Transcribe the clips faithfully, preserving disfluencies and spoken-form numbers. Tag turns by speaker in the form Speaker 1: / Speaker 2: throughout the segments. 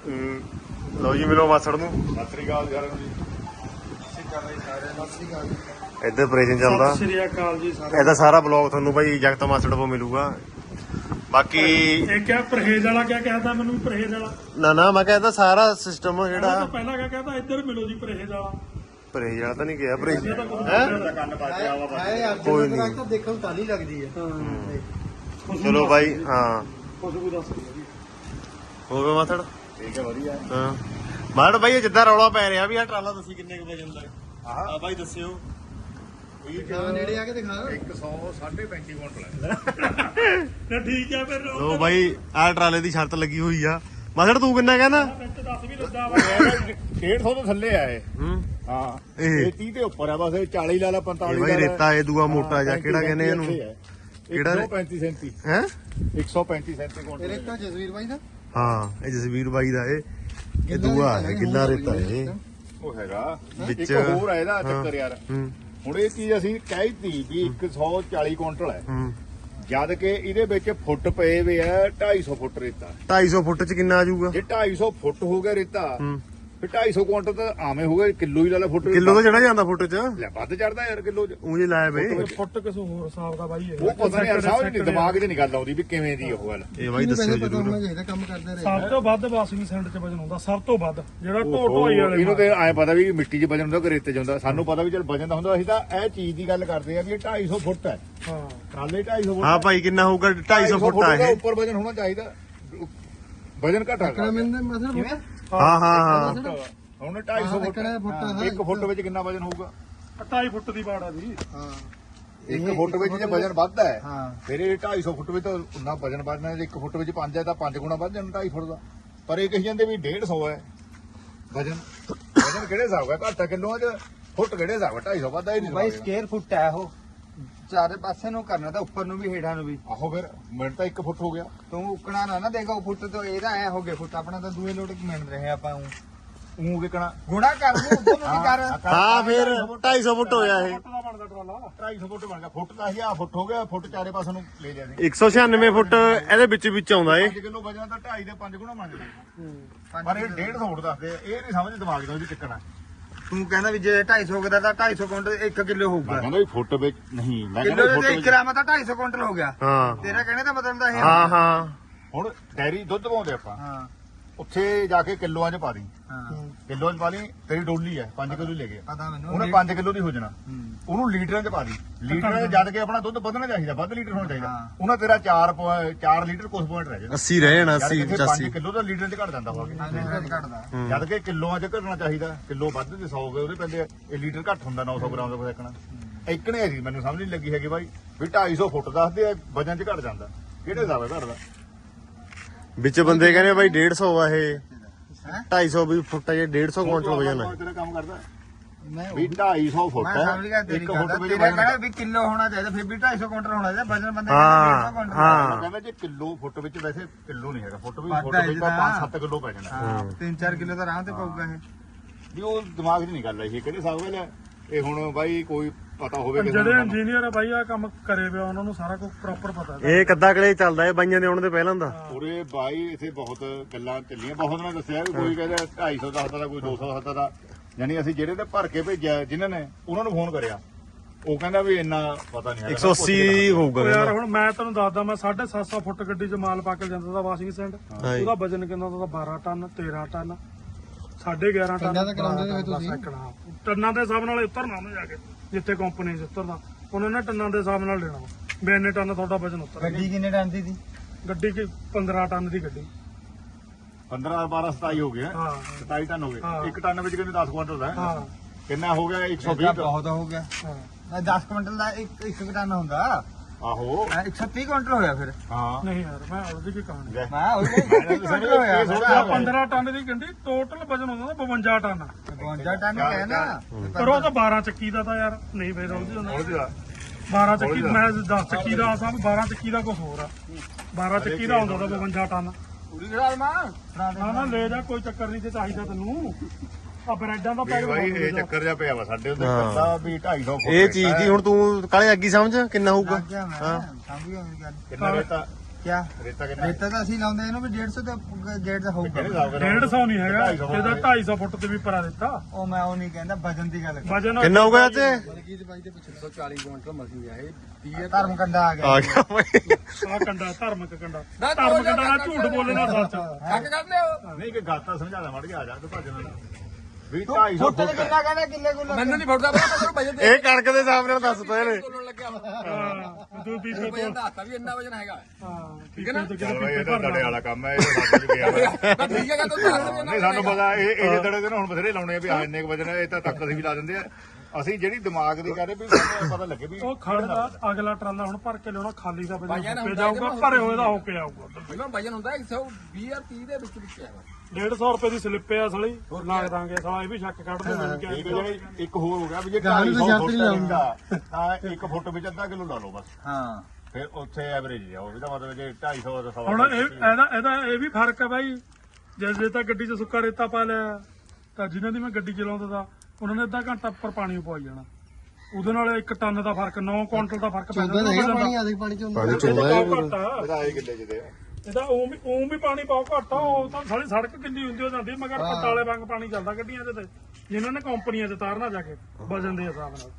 Speaker 1: ਲਓ ਜੀ ਮਿਲੋ ਮਾਸੜ ਨੂੰ।
Speaker 2: ਸਤਿ ਸ੍ਰੀ ਅਕਾਲ ਯਾਰ ਜੀ।
Speaker 1: ਇੱਧਰ ਆਪਰੇਸ਼ਨ ਚੱਲਦਾ।
Speaker 3: ਸਤਿ ਸ਼੍ਰੀ ਅਕਾਲ ਜੀ ਸਾਰੇ।
Speaker 1: ਇਹਦਾ ਸਾਰਾ ਬਲੌਗ ਤੁਹਾਨੂੰ ਬਾਈ ਜਗਤ ਮਾਸੜ ਤੋਂ ਮਿਲੂਗਾ। ਬਾਕੀ
Speaker 3: ਇਹ ਕਿਆ ਪਰਹੇਜ਼ ਵਾਲਾ ਕਿਆ ਕਹਿੰਦਾ ਮੈਨੂੰ ਪਰਹੇਜ਼ ਵਾਲਾ
Speaker 1: ਨਾ ਨਾ ਮੈਂ ਕਹਿੰਦਾ ਸਾਰਾ ਸਿਸਟਮ ਜਿਹੜਾ
Speaker 3: ਪਹਿਲਾਂ ਕਿਆ ਕਹਿੰਦਾ ਇੱਧਰ ਮਿਲੋ ਜੀ ਪਰਹੇਜ਼ ਵਾਲਾ।
Speaker 1: ਪਰਹੇਜ਼ ਵਾਲਾ ਤਾਂ ਨਹੀਂ ਗਿਆ ਪਰਹੇਜ਼ ਹੈ
Speaker 2: ਕੰਨ ਪਾ ਕੇ ਆਵਾ ਬਸ।
Speaker 1: ਕੋਈ ਨਹੀਂ
Speaker 4: ਤਾਂ ਦੇਖਣ ਤਾਂ ਨਹੀਂ ਲੱਗਦੀ ਹੈ।
Speaker 1: ਚਲੋ ਬਾਈ ਹਾਂ
Speaker 3: ਖੁਸ਼ਬੂ ਦੱਸ ਜੀ
Speaker 1: ਹੋਵੇ ਮਾਸੜ
Speaker 2: ਠੀਕ ਹੈ ਵਧੀਆ।
Speaker 1: ਹਾਂ ਮਾਸੜ ਬਾਈ ਇਹ ਜਿੱਦਾਂ ਰੌਲਾ ਪੈ ਰਿਹਾ ਵੀ ਆਹ ਟਰਾਲਾ ਤੁਸੀਂ ਕਿੰਨੇ ਕੁ ਵਜਨ ਦਾ ਆ ਬਾਈ ਦੱਸਿਓ।
Speaker 4: ਹਾਂ ਨੇੜੇ ਆ ਕੇ ਦਿਖਾ।
Speaker 2: ਇੱਕ ਸੌ ਸਾਢੇ ਪੈਂਤੀ ਕੁਇੰਟਲ ਹੈ।
Speaker 3: ਨਾ ਠੀਕ ਹੈ ਫਿਰ
Speaker 1: ਲੋ ਬਾਈ ਆਹ ਟਰਾਲੇ ਦੀ ਸ਼ਰਤ ਲੱਗੀ ਹੋਈ ਆ। ਮਾਸੜ ਤੂੰ ਕਿੰਨਾ ਕਹਿੰਦਾ?
Speaker 3: ਵਿੱਚ ਦੱਸ ਵੀ ਦਿੰਦਾ ਵਾ।
Speaker 2: ਡੇਢ ਸੌ ਤੋਂ ਥੱਲੇ ਆ ਇਹ।
Speaker 1: ਹੂੰ
Speaker 2: ਹਾਂ
Speaker 1: ਇਹ
Speaker 2: ਇਹ ਤੀਹ ਦੇ ਉੱਪਰ ਆ ਬਸ। ਇਹ ਚਾਲੀ ਲਾ ਲਾ
Speaker 1: ਇਹ
Speaker 2: ਪੰਤਾਲੀ
Speaker 1: ਬਾਈ ਰੇਤਾ ਇਹ ਦੂਆ ਮੋਟਾ ਜਾਂ ਕਿਹੜਾ ਕਹਿੰਦੇ ਇਹਨੂੰ
Speaker 2: ਕਿਹੜਾ ਇੱਕ ਸੌ ਪੈਂਤੀ ਸੈਂਤੀ
Speaker 1: ਹੈ
Speaker 2: ਇੱਕ ਸੌ ਪੈਂਤੀ ਸੈਂਤੀ ਕੁਇੰਟਲ।
Speaker 4: ਇਹ ਤਾਂ ਜਸਵੀਰ ਬਾਈ ਦਾ।
Speaker 1: ਹਾਂ ਇਹ ਜਸਵੀਰ ਬਾਈ ਦਾ ਇਹ ਇਹ ਦੂਆ ਹੈ ਗਿੱਲਾ ਰੇਤਾ ਇਹ
Speaker 2: ਉਹ ਹੈਗਾ
Speaker 1: ਵਿੱਚ
Speaker 2: ਇੱਕ ਹੋਰ ਆ ਇਹਦਾ ਚੱਕਰ ਯਾਰ।
Speaker 1: ਹੂੰ
Speaker 2: ਹੁਣ ਇਹ ਚੀਜ਼ ਅਸੀਂ ਕਹਿਤੀ ਵੀ ਇੱਕ ਸੌ ਚਾਲੀ ਕੁਇੰਟਲ ਹੈ,
Speaker 1: ਹੂੰ
Speaker 2: ਜਦ ਕਿ ਇਹਦੇ ਵਿੱਚ ਫੁੱਟ ਪਏ ਵੇ ਆ ਢਾਈ ਸੌ ਫੁੱਟ ਰੇਤਾ।
Speaker 1: ਢਾਈ ਸੌ ਫੁੱਟ ਚ ਕਿੰਨਾ ਆ ਜਾਊਗਾ?
Speaker 2: ਜੇ ਢਾਈ ਸੌ ਫੁੱਟ ਹੋ ਗਿਆ ਰੇਤਾ
Speaker 1: ਹੂੰ
Speaker 2: ਫਿਰ ਢਾਈ ਸੌ ਕੁਇੰਟਲ ਤਾਂ ਆਵੇਂ ਹੋ ਗਿਆ। ਕਿਲੋ ਹੀ ਲਾ ਲਾ ਫੁੱਟ।
Speaker 1: ਕਿਲੋ ਤਾਂ ਚੜਾ ਜਾਂਦਾ ਫੁੱਟ ਚ
Speaker 2: ਲੈ ਵੱਧ ਚੜਦਾ ਯਾਰ ਕਿਲੋ ਚ।
Speaker 1: ਉਹ ਜੇ ਲਾਇਆ ਬਈ
Speaker 3: ਫੁੱਟ ਕਿਸੇ ਹੋਰ ਹਿਸਾਬ ਦਾ ਬਾਈ
Speaker 2: ਉਹ ਪਤਾ ਨਹੀਂ ਯਾਰ ਸਮਝ ਨਹੀਂ ਦਿਮਾਗ 'ਚ ਨਹੀਂ ਗੱਲ ਆਉਂਦੀ ਵੀ ਕਿਵੇਂ ਦੀ ਉਹ ਗੱਲ।
Speaker 1: ਇਹ ਬਾਈ ਦੱਸਿਓ
Speaker 4: ਪਤਾ ਹੋਣਾ
Speaker 1: ਜਰੂਰ।
Speaker 4: ਚਾਹੀਦਾ ਕੰਮ ਕਰਦੇ ਰਹੇ।
Speaker 3: ਸਭ ਤੋਂ ਵੱਧ ਵਾਸ਼ਿੰਗ ਸੈਂਟ ਚ ਵਜਨ ਹੁੰਦਾ ਸਭ ਤੋਂ ਵੱਧ ਜਿਹੜਾ ਢੋ ਢੋਈ ਵਾਲੇ
Speaker 2: ਇਹਨੂੰ ਤੇ ਐ ਪਤਾ ਵੀ ਮਿੱਟੀ 'ਚ ਵਜਨ ਹੁੰਦਾ ਕਿ ਰੇਤੇ 'ਚ ਹੁੰਦਾ। ਸਾਨੂੰ ਪਤਾ ਵੀ ਚਲ ਵਜਨ ਦਾ ਹੁੰਦਾ। ਅਸੀਂ ਤਾਂ ਇਹ ਚੀਜ਼ ਦੀ ਗੱਲ ਕਰਦੇ ਆ ਵੀ ਇਹ ਢਾਈ ਸੌ ਫੁੱਟ ਹੈ।
Speaker 3: ਹਾਂ
Speaker 2: ਟਰਾਲੇ ਢਾਈ ਸੌ ਫੁੱਟ।
Speaker 1: ਹਾਂ ਭਾਈ ਕਿੰਨਾ ਹੋਊਗਾ? ਢਾਈ ਸੌ ਫੁੱਟ ਆ
Speaker 2: ਦਾ
Speaker 1: ਇਹ।
Speaker 2: ਉੱਪਰ ਵਜਨ ਹੋਣਾ ਚਾਹੀਦਾ। ਵਜਨ ਘਟਾ
Speaker 4: ਕਿਹੜਾ ਮੈਨੂੰ ਮਸਲ
Speaker 1: ਹਾਂ ਹਾਂ ਹਾਂ
Speaker 2: ਹੁਣ ਢਾਈ ਸੌ ਫੁੱਟ
Speaker 4: ਕਿਹੜਾ ਫੁੱਟ ਹੈ?
Speaker 2: ਇੱਕ ਫੁੱਟ ਵਿੱਚ ਕਿੰਨਾ ਵਜਨ ਹੋਊਗਾ?
Speaker 3: ਢਾਈ ਫੁੱਟ ਦੀ ਬਾੜ ਆ ਜੀ।
Speaker 4: ਹਾਂ
Speaker 2: ਇੱਕ ਫੁੱਟ ਵਿੱਚ ਜੇ ਵਜਨ ਵੱਧਦਾ ਹੈ
Speaker 4: ਹਾਂ
Speaker 2: ਫਿਰ ਇਹ ਢਾਈ ਸੌ ਫੁੱਟ ਵਿੱਚ ਤਾਂ ਉਨਾ ਵਜਨ ਵੱਧਣਾ। ਜੇ ਇੱਕ ਫੁੱਟ ਵਿੱਚ ਪੰਜ ਹੈ ਤਾਂ ਪੰਜ ਗੁਣਾ ਵੱਧ ਜਾਣਾ ਢਾਈ ਫੁੱਟ ਦਾ। ਪਰ ਇਹ ਕਹੀ ਜਾਂਦੇ ਵੀ ਡੇਢ ਸੌ ਹੈ ਵਜਨ। ਵਜਨ ਕਿਹੜੇ ਹਿਸਾਬ ਹੈ? ਘੱਟ ਕਿਲੋਆਂ ਚ ਫੁੱਟ ਕਿਹੜੇ ਹਿਸਾਬ ਹੈ? ਢਾਈ ਸੌ ਵੱਧਦਾ ਹੀ ਨਹੀਂ।
Speaker 4: ਬਾਈ ਸਕੁਅਰ ਫੁੱਟ ਹੈ ਉਹ। ਚਾਰੇ ਪਾਸੇ ਨੂੰ ਕਰਨਾ ਤਾਂ ਉੱਪਰ ਨੂੰ ਵੀ ਹੇਠਾਂ ਨੂੰ ਵੀ।
Speaker 2: ਆਹੋ ਫਿਰ ਮਿੰਟ ਤਾਂ ਇੱਕ ਫੁੱਟ ਹੋ ਗਿਆ।
Speaker 4: ਤੂੰ ਉਕਣਾ ਨਾ ਨਾ ਦੇਖੋ ਫੁੱਟ ਤੋਂ ਇਹਦਾ ਐ ਹੋ ਗਿਆ ਫੁੱਟ। ਆਪਣਾ ਤਾਂ ਦੂਏ ਲੋਟ ਮਿੰਟ ਰਹੇ ਆਪਾਂ ਉਹ
Speaker 2: ਉਹ ਵਿਕਣਾ
Speaker 4: ਗੁਣਾ ਕਰ ਲੂ ਉਦੋਂ ਨੂੰ ਕੀ ਕਰ।
Speaker 1: ਹਾਂ ਫਿਰ ਢਾਈ ਸੌ ਫੁੱਟ ਹੋਇਆ ਇਹ।
Speaker 3: ਫੁੱਟ ਦਾ ਬਣਦਾ ਟਰਾਲਾ।
Speaker 2: ਢਾਈ ਸੌ ਫੁੱਟ ਬਣ ਗਿਆ। ਫੁੱਟ ਤਾਂ ਹਜ਼ਾਰ ਫੁੱਟ ਹੋ ਗਿਆ। ਫੁੱਟ ਚਾਰੇ ਪਾਸੇ ਨੂੰ ਲੈ ਲਿਆ ਸੀ।
Speaker 1: ਇੱਕ ਸੌ ਛਿਆਨਵੇਂ ਫੁੱਟ ਇਹਦੇ ਵਿੱਚ ਵਿੱਚ ਆਉਂਦਾ ਏ।
Speaker 2: ਪੰਜ ਕਿਲੋ ਵਜਨ ਤਾਂ ਢਾਈ ਦੇ ਪੰਜ ਗੁਣਾ ਬਣ ਜਾਂਦਾ। ਪਰ ਇਹ ਡੇਢ ਸੌ ਫੁੱਟ ਦੱਸਦੇ ਆ। ਇਹ ਨਹੀਂ ਸਮਝ ਦਿਮਾਗ ਦਾ ਵੀ ਚੱਕਣਾ।
Speaker 4: ਤੂੰ ਕਹਿੰਦਾ ਵੀ ਜੇ ਢਾਈ ਸੌ ਦਾ ਤਾਂ ਢਾਈ ਸੌ ਕੁਇੰਟਲ ਇੱਕ ਕਿਲੋ
Speaker 2: ਮੈਂ
Speaker 4: ਹੋਊਗਾ।
Speaker 2: ਕਹਿੰਦਾ ਵੀ ਫੁੱਟ ਵਿੱਚ ਨਹੀਂ। ਮੈਂ
Speaker 4: ਕਿਲੋ
Speaker 2: ਕਹਿੰਦਾ
Speaker 4: ਦੇ
Speaker 2: ਫੁੱਟ
Speaker 4: ਇੱਕ
Speaker 2: ਵਿੱਚ
Speaker 4: ਗ੍ਰਾਮ ਤਾਂ ਢਾਈ ਸੌ ਕੁਇੰਟਲ ਹੋ ਗਿਆ।
Speaker 1: ਹਾਂ
Speaker 4: ਤੇਰਾ ਕਹਿਣੇ ਦਾ ਮਤਲਬ ਤਾਂ ਇਹ
Speaker 1: ਹਾਂ ਹਾਂ
Speaker 2: ਹੁਣ ਡੈਰੀ ਦੁੱਧ ਪਾਉਂਦੇ ਆਪਾਂ।
Speaker 4: ਹਾਂ
Speaker 2: ਉੱਥੇ ਜਾ ਕੇ ਕਿਲੋਆਂ 'ਚ ਪਾ ਦੀ।
Speaker 4: ਹਾਂ
Speaker 2: ਕਿਲੋਆਂ 'ਚ ਪਾ ਲਈ। ਤੇਰੀ ਡੋਲੀ ਹੈ ਪੰਜ ਕਿਲੋ ਲੈ ਗਿਆ।
Speaker 4: ਪਤਾ ਮੈਨੂੰ
Speaker 2: ਉਹਨੇ ਪੰਜ ਕਿਲੋ ਦੀ ਹੋ ਜਾਣਾ।
Speaker 4: ਹੂੰ।
Speaker 2: ਉਹਨੂੰ ਲੀਟਰਾਂ 'ਚ ਪਾ ਦੀ। ਲੀਟਰਾਂ 'ਚ ਜਦ ਕੇ ਆਪਣਾ ਦੁੱਧ ਵਧਣਾ ਚਾਹੀਦਾ। ਵੱਧ ਲੀਟਰ ਹੋਣਾ ਚਾਹੀਦਾ।
Speaker 4: ਹਾਂ।
Speaker 2: ਉਹਨਾਂ ਤੇਰਾ ਚਾਰ ਚਾਰ ਲੀਟਰ ਕੁਝ ਪੁਆਇੰਟ ਰਹਿ ਜਾਣਾ।
Speaker 1: ਅੱਸੀ ਰਹਿ ਜਾਣਾ ਅੱਸੀ
Speaker 2: ਪੰਜ
Speaker 1: ਪਚਾਸੀ।
Speaker 2: ਕਿਲੋ ਦਾ ਲੀਟਰ 'ਚ ਘਟ ਜਾਂਦਾ ਹੋਗਾ।
Speaker 4: ਘਟਦਾ।
Speaker 2: ਜਦ ਕਿ ਕਿਲੋਆਂ 'ਚ ਘਟਣਾ ਚਾਹੀਦਾ। ਕਿਲੋ ਵੱਧ ਤੇ ਸੌ ਗਏ ਉਹਦੇ ਪੈਂਦੇ ਆ। ਇਹ ਲੀਟਰ ਘੱਟ ਹੁੰਦਾ ਨੌ ਸੌ ਗ੍ਰਾਮ ਦਾ ਫੇਕਣਾ। ਇੱਕਣੇ ਸੀ ਮੈਨੂੰ ਸਮਝ ਨਹੀਂ ਲੱਗੀ ਹੈਗੀ ਬਾਈ ਵੀ ਢਾਈ ਸੌ ਫੁੱਟ ਦੱਸਦੇ ਆ ਵਜਨ 'ਚ ਘਟ ਜਾਂਦਾ। ਕਿਹੜੇ ਹਿਸਾਬ ਹੈ ਘਟਦਾ?
Speaker 1: ਵਿੱਚ ਬੰਦੇ ਕਹਿੰਦੇ ਬਾਈ ਡੇਢ ਸੌ ਆ ਇਹ।
Speaker 4: ਹੈ
Speaker 1: ਢਾਈ ਸੌ ਵੀ ਫੁੱਟ ਆ ਜੇ ਡੇਢ ਸੌ ਕੁਇੰਟਲ ਵਜਨ ਹੈ।
Speaker 2: ਤੇਰਾ ਕੰਮ ਕਰਦਾ
Speaker 4: ਮੈਂ
Speaker 2: ਵੀ ਢਾਈ ਸੌ ਫੁੱਟ
Speaker 4: ਮੈਂ ਸਮਝ ਗਿਆ ਤੇਰੀ
Speaker 2: ਇੱਕ
Speaker 4: ਗੱਲ।
Speaker 2: ਫੁੱਟ ਵਿੱਚ
Speaker 4: ਤੇਰਾ
Speaker 2: ਵਜਨ
Speaker 4: ਕਹਿਣਾ ਵੀ ਕਿਲੋ ਹੋਣਾ ਚਾਹੀਦਾ ਫਿਰ ਵੀ ਢਾਈ ਸੌ ਕੁਇੰਟਲ ਹੋਣਾ ਚਾਹੀਦਾ। ਵਜਨ ਬੰਦੇ
Speaker 1: ਹਾਂ,
Speaker 4: ਕੁਇੰਟਲ
Speaker 1: ਹਾਂ।
Speaker 2: ਕਹਿੰਦਾ ਜੇ ਕਿਲੋ ਫੁੱਟ ਵਿੱਚ ਵੈਸੇ ਕਿਲੋ ਨਹੀਂ ਹੈਗਾ। ਫੁੱਟ ਵੀ
Speaker 4: ਵੱਧ
Speaker 2: ਫੁੱਟ
Speaker 4: ਹੈ
Speaker 2: ਵਿੱਚ ਤਾਂ
Speaker 4: ਜਿਹਦਾ।
Speaker 2: ਪੰਜ ਸੱਤ ਕਿਲੋ ਪੈ ਜਾਣਾ।
Speaker 4: ਹਾਂ ਤਿੰਨ ਚਾਰ ਕਿਲੋ ਤਾਂ ਆਰਾਮ ਤੇ ਪਊਗਾ ਇਹ।
Speaker 2: ਵੀ ਉਹ ਦਿਮਾਗ 'ਚ ਨਹੀਂ ਗੱਲ ਆਈ ਇਹ ਕਿਹੜੇ ਹਿਸਾਬ ਨਾਲ ਹੈ। ਇਹ ਹੁਣ ਬਾਈ ਕੋਈ ਪਤਾ ਹੋਵੇ ਕਿਸੇ
Speaker 3: ਜਿਹੜੇ
Speaker 2: ਨੂੰ।
Speaker 3: ਇੰਜੀਨੀਅਰ ਆ ਬਾਈ ਆ ਕੰਮ ਕਰੇ ਵੇ ਉਹਨਾਂ ਨੂੰ ਸਾਰਾ ਕੁਝ ਪ੍ਰੋਪਰ ਪਤਾ ਹੈ।
Speaker 1: ਇਹ ਕੱਦਾ ਕਲੇ ਚੱਲਦਾ ਏ ਬਾਈਆਂ ਦੇ ਆਉਣ ਦੇ ਪਹਿਲਾਂ ਦਾ।
Speaker 2: ਉਰੇ ਬਾਈ ਇੱਥੇ ਬਹੁਤ ਗੱਲਾਂ ਚੱਲੀਆਂ। ਬਹੁਤ ਨੇ ਦੱਸਿਆ ਵੀ ਕੋਈ ਕਹਿੰਦਾ ਢਾਈ ਸੌ ਦੱਸਦਾ ਦਾ ਕੋਈ ਦੋ ਸੌ ਦੱਸਦਾ ਦਾ। ਯਾਨੀ ਅਸੀਂ ਜਿਹੜੇ ਤੇ ਭਰ ਕੇ ਭੇਜਿਆ ਜਿਨ੍ਹਾਂ ਨੇ ਉਹਨਾਂ ਨੂੰ ਫੋਨ ਕਰਿਆ। ਉਹ ਕਹਿੰਦਾ ਵੀ ਇੰਨਾ ਪਤਾ ਨਹੀਂ
Speaker 1: ਇੱਕ ਸੌ ਅੱਸੀ ਹੋਊਗਾ
Speaker 3: ਉਹ ਯਾਰ
Speaker 1: ਕਹਿੰਦਾ।
Speaker 3: ਹੁਣ ਮੈਂ ਤੁਹਾਨੂੰ ਦੱਸਦਾ ਮੈਂ ਸਾਢੇ ਸੱਤ ਸੌ ਫੁੱਟ ਗੱਡੀ 'ਚ ਮਾਲ ਪਾ ਕੇ ਜਾਂਦਾ ਦਾ ਵਾਸ਼ਿੰਗ ਸੈਂਟ।
Speaker 1: ਹਾਂ ਜੀ।
Speaker 3: ਉਹਦਾ ਵਜਨ ਕਿੰਨਾ ਹੁੰਦਾ? ਬਾਰਾਂ ਟਨ ਤੇਰਾਂ ਟਨ ਸਾਢੇ ਗਿਆਰਾਂ ਟਨ।
Speaker 4: ਟਨਾਂ ਦਾ ਕਰਾਉਂਦੇ ਹੋਏ ਤੁਸੀਂ?
Speaker 3: ਟੰਨਾਂ ਦੇ ਹਿਸਾਬ ਨਾਲ ਉਤਰਨਾ ਉਹਨੇ ਜਾ ਕੇ ਜਿੱਥੇ ਕੰਪਨੀ 'ਚ ਉਤਰਦਾ ਉਹਨਾਂ ਨੇ ਟੰਨਾਂ ਦੇ ਹਿਸਾਬ ਨਾਲ ਲੈਣਾ ਵੀ ਇੰਨੇ ਟਨ ਤੁਹਾਡਾ ਵਜਨ ਉਤਰ
Speaker 4: ਗੱਡੀ ਕਿੰਨੇ ਟਨ ਦੀ ਸੀ?
Speaker 3: ਗੱਡੀ 'ਚ ਪੰਦਰਾਂ ਟਨ ਦੀ ਗੱਡੀ।
Speaker 2: ਪੰਦਰਾਂ ਬਾਰਾਂ ਸਤਾਈ ਹੋ ਗਿਆ।
Speaker 3: ਹਾਂ
Speaker 2: ਸਤਾਈ ਟਨ ਹੋ ਗਏ।
Speaker 3: ਹਾਂ।
Speaker 2: ਇੱਕ ਟਨ ਵਿੱਚ ਕਿੰਨੇ ਦਸ ਕੁਇੰਟਲ ਦਾ
Speaker 3: ਹਾਂ
Speaker 2: ਹੈ। ਕਿੰਨਾ ਹੋ ਗਿਆ? ਇੱਕ ਸੌ
Speaker 4: ਇਹ
Speaker 2: ਵੀਹ।
Speaker 4: ਬਹੁਤ ਹੋ ਗਿਆ।
Speaker 3: ਹਾਂ
Speaker 4: ਦਸ ਕੁਇੰਟਲ ਦਾ ਇੱਕ ਇੱਕ ਟਨ ਹੁੰਦਾ।
Speaker 2: ਆਹੋ
Speaker 4: ਇੱਕ ਸੌ ਤੀਹ ਕੁਇੰਟਲ ਹੋਇਆ ਫਿਰ।
Speaker 2: ਹਾਂ
Speaker 3: ਨਹੀਂ ਯਾਰ ਮੈਂ ਉਹਦੀ ਕੀ ਕਹਾਣੀ
Speaker 2: ਲੈ।
Speaker 4: ਮੈਂ ਉਹ ਕੁਇੰਟਲ ਹੋਇਆ।
Speaker 3: ਆ ਪੰਦਰਾਂ ਟਨ ਦੀ ਗੱਡੀ ਟੋਟਲ ਵਜਨ ਹੁੰਦਾ ਬਵੰਜਾ ਟਨ।
Speaker 4: ਬਵੰਜਾ ਟਨ ਕਹਿਣਾ।
Speaker 3: ਪਰ ਉਹ ਤਾਂ ਬਾਰਾਂ ਚੱਕੀ ਦਾ ਤਾਂ ਯਾਰ ਨਹੀਂ ਫੇਰ ਉਹਦੀ ਹੁੰਦਾ
Speaker 2: ਉਹਦੇ ਦਾ
Speaker 3: ਬਾਰਾਂ ਚੱਕੀ ਮੈਂ ਦਸ ਚੱਕੀ ਦਾ ਆਸਾਂ ਬਾਰਾਂ ਚੱਕੀ ਦਾ ਕੁਝ ਹੋਰ ਆ। ਬਾਰਾਂ ਚੱਕੀ ਦਾ ਹੁੰਦਾ ਤਾਂ ਬਵੰਜਾ ਟਨ।
Speaker 4: ਪੂਰੀ ਗਰਾਲ ਮਾਂ
Speaker 3: ਨਾ ਨਾ ਲੈ ਜਾ ਕੋਈ ਚੱਕਰ ਨਹੀਂ ਜੇ ਚਾਹੀਦਾ ਤੈਨੂੰ। ਆ ਬ੍ਰੈਡਾਂ ਦਾ ਪੈਕ
Speaker 2: ਬਾਈ ਇਹ ਚੱਕਰ ਜਿਹਾ ਪਿਆ ਵਾ ਸਾਡੇ ਉੱਤੇ ਕਹਿੰਦਾ ਵੀ ਢਾਈ ਸੌ ਫੁੱਟ
Speaker 1: ਇਹ ਚੀਜ਼ ਦੀ ਹੁਣ ਤੂੰ ਕਾਲੇ ਅੱਗੀ ਸਮਝ ਕਿੰਨਾ ਹੋਊਗਾ।
Speaker 4: ਲੱਗ ਗਿਆ ਮੈਂ ਸਮਝ ਗਿਆ ਮੇਰੀ ਗੱਲ।
Speaker 2: ਕਿੰਨਾ ਰੇਤਾ
Speaker 4: ਕਿਆ
Speaker 2: ਰੇਤਾ ਕਿੰਨਾ
Speaker 4: ਰੇਤਾ ਤਾਂ ਅਸੀਂ ਲਾਉਂਦੇ ਇਹਨੂੰ ਵੀ ਡੇਢ ਸੌ ਤੇ ਡੇਢ ਸੌ ਹੋਊਗਾ
Speaker 2: ਕਿਹੜੇ ਹਿਸਾਬ ਨਾਲ
Speaker 3: ਡੇਢ ਸੌ ਨਹੀਂ ਹੈਗਾ ਇਹਦਾ ਢਾਈ ਸੌ ਫੁੱਟ ਤੇ ਵੀ ਪਰਾ ਦਿੱਤਾ
Speaker 4: ਉਹ ਮੈਂ ਉਹ ਨਹੀਂ ਕਹਿੰਦਾ ਵਜਨ ਦੀ ਗੱਲ ਕਰ
Speaker 3: ਵਜਨ
Speaker 1: ਕਿੰਨਾ ਹੋ ਗਿਆ ਤੇ
Speaker 4: ਸੌ ਚਾਲੀ ਕੁਇੰਟਲ ਮਸੀਂ ਆ ਇਹ ਧਰਮ ਕੰਡਾ ਆ ਗਿਆ
Speaker 1: ਆ ਗਿਆ ਬਾਈ
Speaker 3: ਆ ਕੰਡਾ ਧਾਰਮਿਕ ਕੰਡਾ ਧਾਰਮਿਕ ਕੰਡਾ ਨਾਲ ਝੂਠ ਬੋਲਣਾ ਸੱਚ
Speaker 4: ਕੱਟ ਕੱਢ ਲਿਓ
Speaker 2: ਨਹੀਂ ਕਿ ਗਾਤਾ ਸਮਝਾਦਾ ਮੜ ਗਿਆ ਆ ਜਾ ਤੂੰ ਭੱਜਣ ਦਾ ਵੀ ਢਾਈ ਸੌ
Speaker 4: ਫੁੱਟ ਤੇ
Speaker 2: ਫੁੱਟ
Speaker 4: ਕਿੰਨਾ ਕਹਿੰਦਾ ਕਿੱਲੇ ਕੋਲ
Speaker 5: ਮੈਨੂੰ ਨਹੀਂ ਫੜਦਾ ਪਰ ਵਜਨ
Speaker 1: ਇਹ ਕਣਕ ਦੇ ਹਿਸਾਬ ਨਾਲ ਦੱਸਦਾ ਇਹਨੇ
Speaker 5: ਤੋਲਣ ਲੱਗਿਆ ਵਾ
Speaker 3: ਹਾਂ ਤੂੰ ਪੀਛੇ ਤੋਂ
Speaker 5: ਵਜਨ ਦੱਸਤਾ ਵੀ ਇੰਨਾ ਵਜਨ ਹੈਗਾ
Speaker 3: ਹਾਂ
Speaker 5: ਠੀਕ ਹੈ ਨਾ?
Speaker 2: ਚੱਲ ਬਾਈ ਇਹ ਤਾਂ ਦੜੇ ਵਾਲਾ ਕੰਮ ਹੈ ਇਹ ਸਾਡੇ ਚ ਗਿਆ ਹੋਇਆ।
Speaker 5: ਤਾਂ ਠੀਕ ਹੈਗਾ ਤੂੰ
Speaker 2: ਨਹੀਂ ਸਾਨੂੰ ਪਤਾ ਇਹ ਇਹ ਦੜੇ ਦੇ ਨਾ ਹੁਣ ਬਥੇਰੇ ਲਾਉਣੇ ਆ ਵੀ ਆ ਇੰਨੇ ਕੁ ਵਜਨ ਇਹ ਤਾਂ ਤੱਕ ਅਸੀਂ ਵੀ ਲਾ ਦਿੰਦੇ ਆ ਅਸੀਂ ਜਿਹੜੀ ਦਿਮਾਗ ਦੀ ਕਰਦੇ ਵੀ ਸਾਨੂੰ ਪਤਾ ਲੱਗੇ ਵੀ
Speaker 3: ਉਹ ਖੜਦਾ ਅਗਲਾ ਟਰਾਲਾ ਹੁਣ ਭਰ ਕੇ ਲਿਆਉਣਾ ਖਾਲੀ ਦਾ
Speaker 5: ਭਾਈਆਂ
Speaker 3: ਵਜਨ
Speaker 5: ਨੇ
Speaker 3: ਹੋ ਜਾਊਗਾ ਭਰੇ ਹੋਏ ਦਾ ਹੋ ਕੇ ਆਊਗਾ
Speaker 5: ਇਹਨਾਂ ਵਜਨ ਹੁੰਦਾ ਇੱਕ ਸੌ ਵੀਹ ਜਾਂ ਤੀਹ ਦੇ ਵਿੱਚ ਵਿੱਚ ਹੈਗਾ
Speaker 3: ਡੇਢ ਸੌ ਰੁਪਏ ਦੀ ਸਲਿੱਪ ਆ ਸਾਲੀ ਲਾ ਦਾਂਗੇ ਸਾਲਾ ਇਹ ਵੀ ਸ਼ੱਕ ਕੱਢ ਦੇ ਮੈਨੂੰ
Speaker 2: ਠੀਕ
Speaker 3: ਕਿਹਾ
Speaker 2: ਹੈ ਜੀ ਇੱਕ ਹੋਰ ਹੋ ਗਿਆ ਵੀ ਜੇ ਢਾਈ ਸੌ ਫੁੱਟ ਹੁੰਦਾ ਤਾਂ ਇੱਕ ਫੁੱਟ ਵਿੱਚ ਅੱਧਾ ਕਿਲੋ ਲਾ ਲਓ ਬਸ
Speaker 4: ਹਾਂ
Speaker 2: ਫਿਰ ਉੱਥੇ ਐਵਰੇਜ ਜਾਓ ਇਹਦਾ ਮਤਲਬ ਜੇ ਢਾਈ ਸੌ ਦਾ ਸਵਾ
Speaker 3: ਹੁਣ ਇਹ ਇਹਦਾ ਇਹਦਾ ਇਹ ਵੀ ਫਰਕ ਹੈ ਬਾਈ ਜੇ ਜੇ ਤਾਂ ਗੱਡੀ 'ਚ ਸੁੱਕਾ ਰੇਤਾ ਪਾ ਲਿਆ ਤਾਂ ਜਿਨ੍ਹਾਂ ਦੀ ਮੈਂ ਗੱਡੀ ਚਲਾਉਂਦਾ ਤਾਂ ਉਹਨਾਂ ਨੇ ਅੱਧਾ ਘੰਟਾ ਉੱਪਰ ਪਾਣੀ ਪਵਾਈ ਜਾਣਾ ਉਹਦੇ ਨਾਲ ਇੱਕ ਟਨ ਦਾ ਫਰਕ ਨੌ ਕੁਇੰਟਲ ਦਾ ਫਰਕ ਪੈ ਜਾਂਦਾ ਪਾਣੀ ਆਦੇ ਪਾਣੀ ਚ
Speaker 1: ਪਾਣੀ ਚੋਂਦਾ ਹੈ
Speaker 2: ਇਹਦਾ ਆਏ ਕਿੱਲੇ ਜਿਹਦੇ ਆ
Speaker 3: ਇਹਦਾ ਉਹ ਵੀ ਉਹ ਵੀ ਪਾਣੀ ਪਾਓ ਘੱਟ ਆ ਉਹ ਤਾਂ ਸਾਰੀ ਸੜਕ ਕਿੰਨੀ ਹੁੰਦੀ ਹੋ ਜਾਂਦੀ ਮਗਰ ਪਟਾਲੇ ਵਾਂਗ ਪਾਣੀ ਚੱਲਦਾ ਗੱਡੀਆਂ ਦੇ ਤੇ ਜਿਨ੍ਹਾਂ ਨੇ ਕੰਪਨੀਆਂ 'ਚ ਤਾਰਨਾ ਜਾ ਕੇ ਵਜਨ ਦੇ ਹਿਸਾਬ ਨਾਲ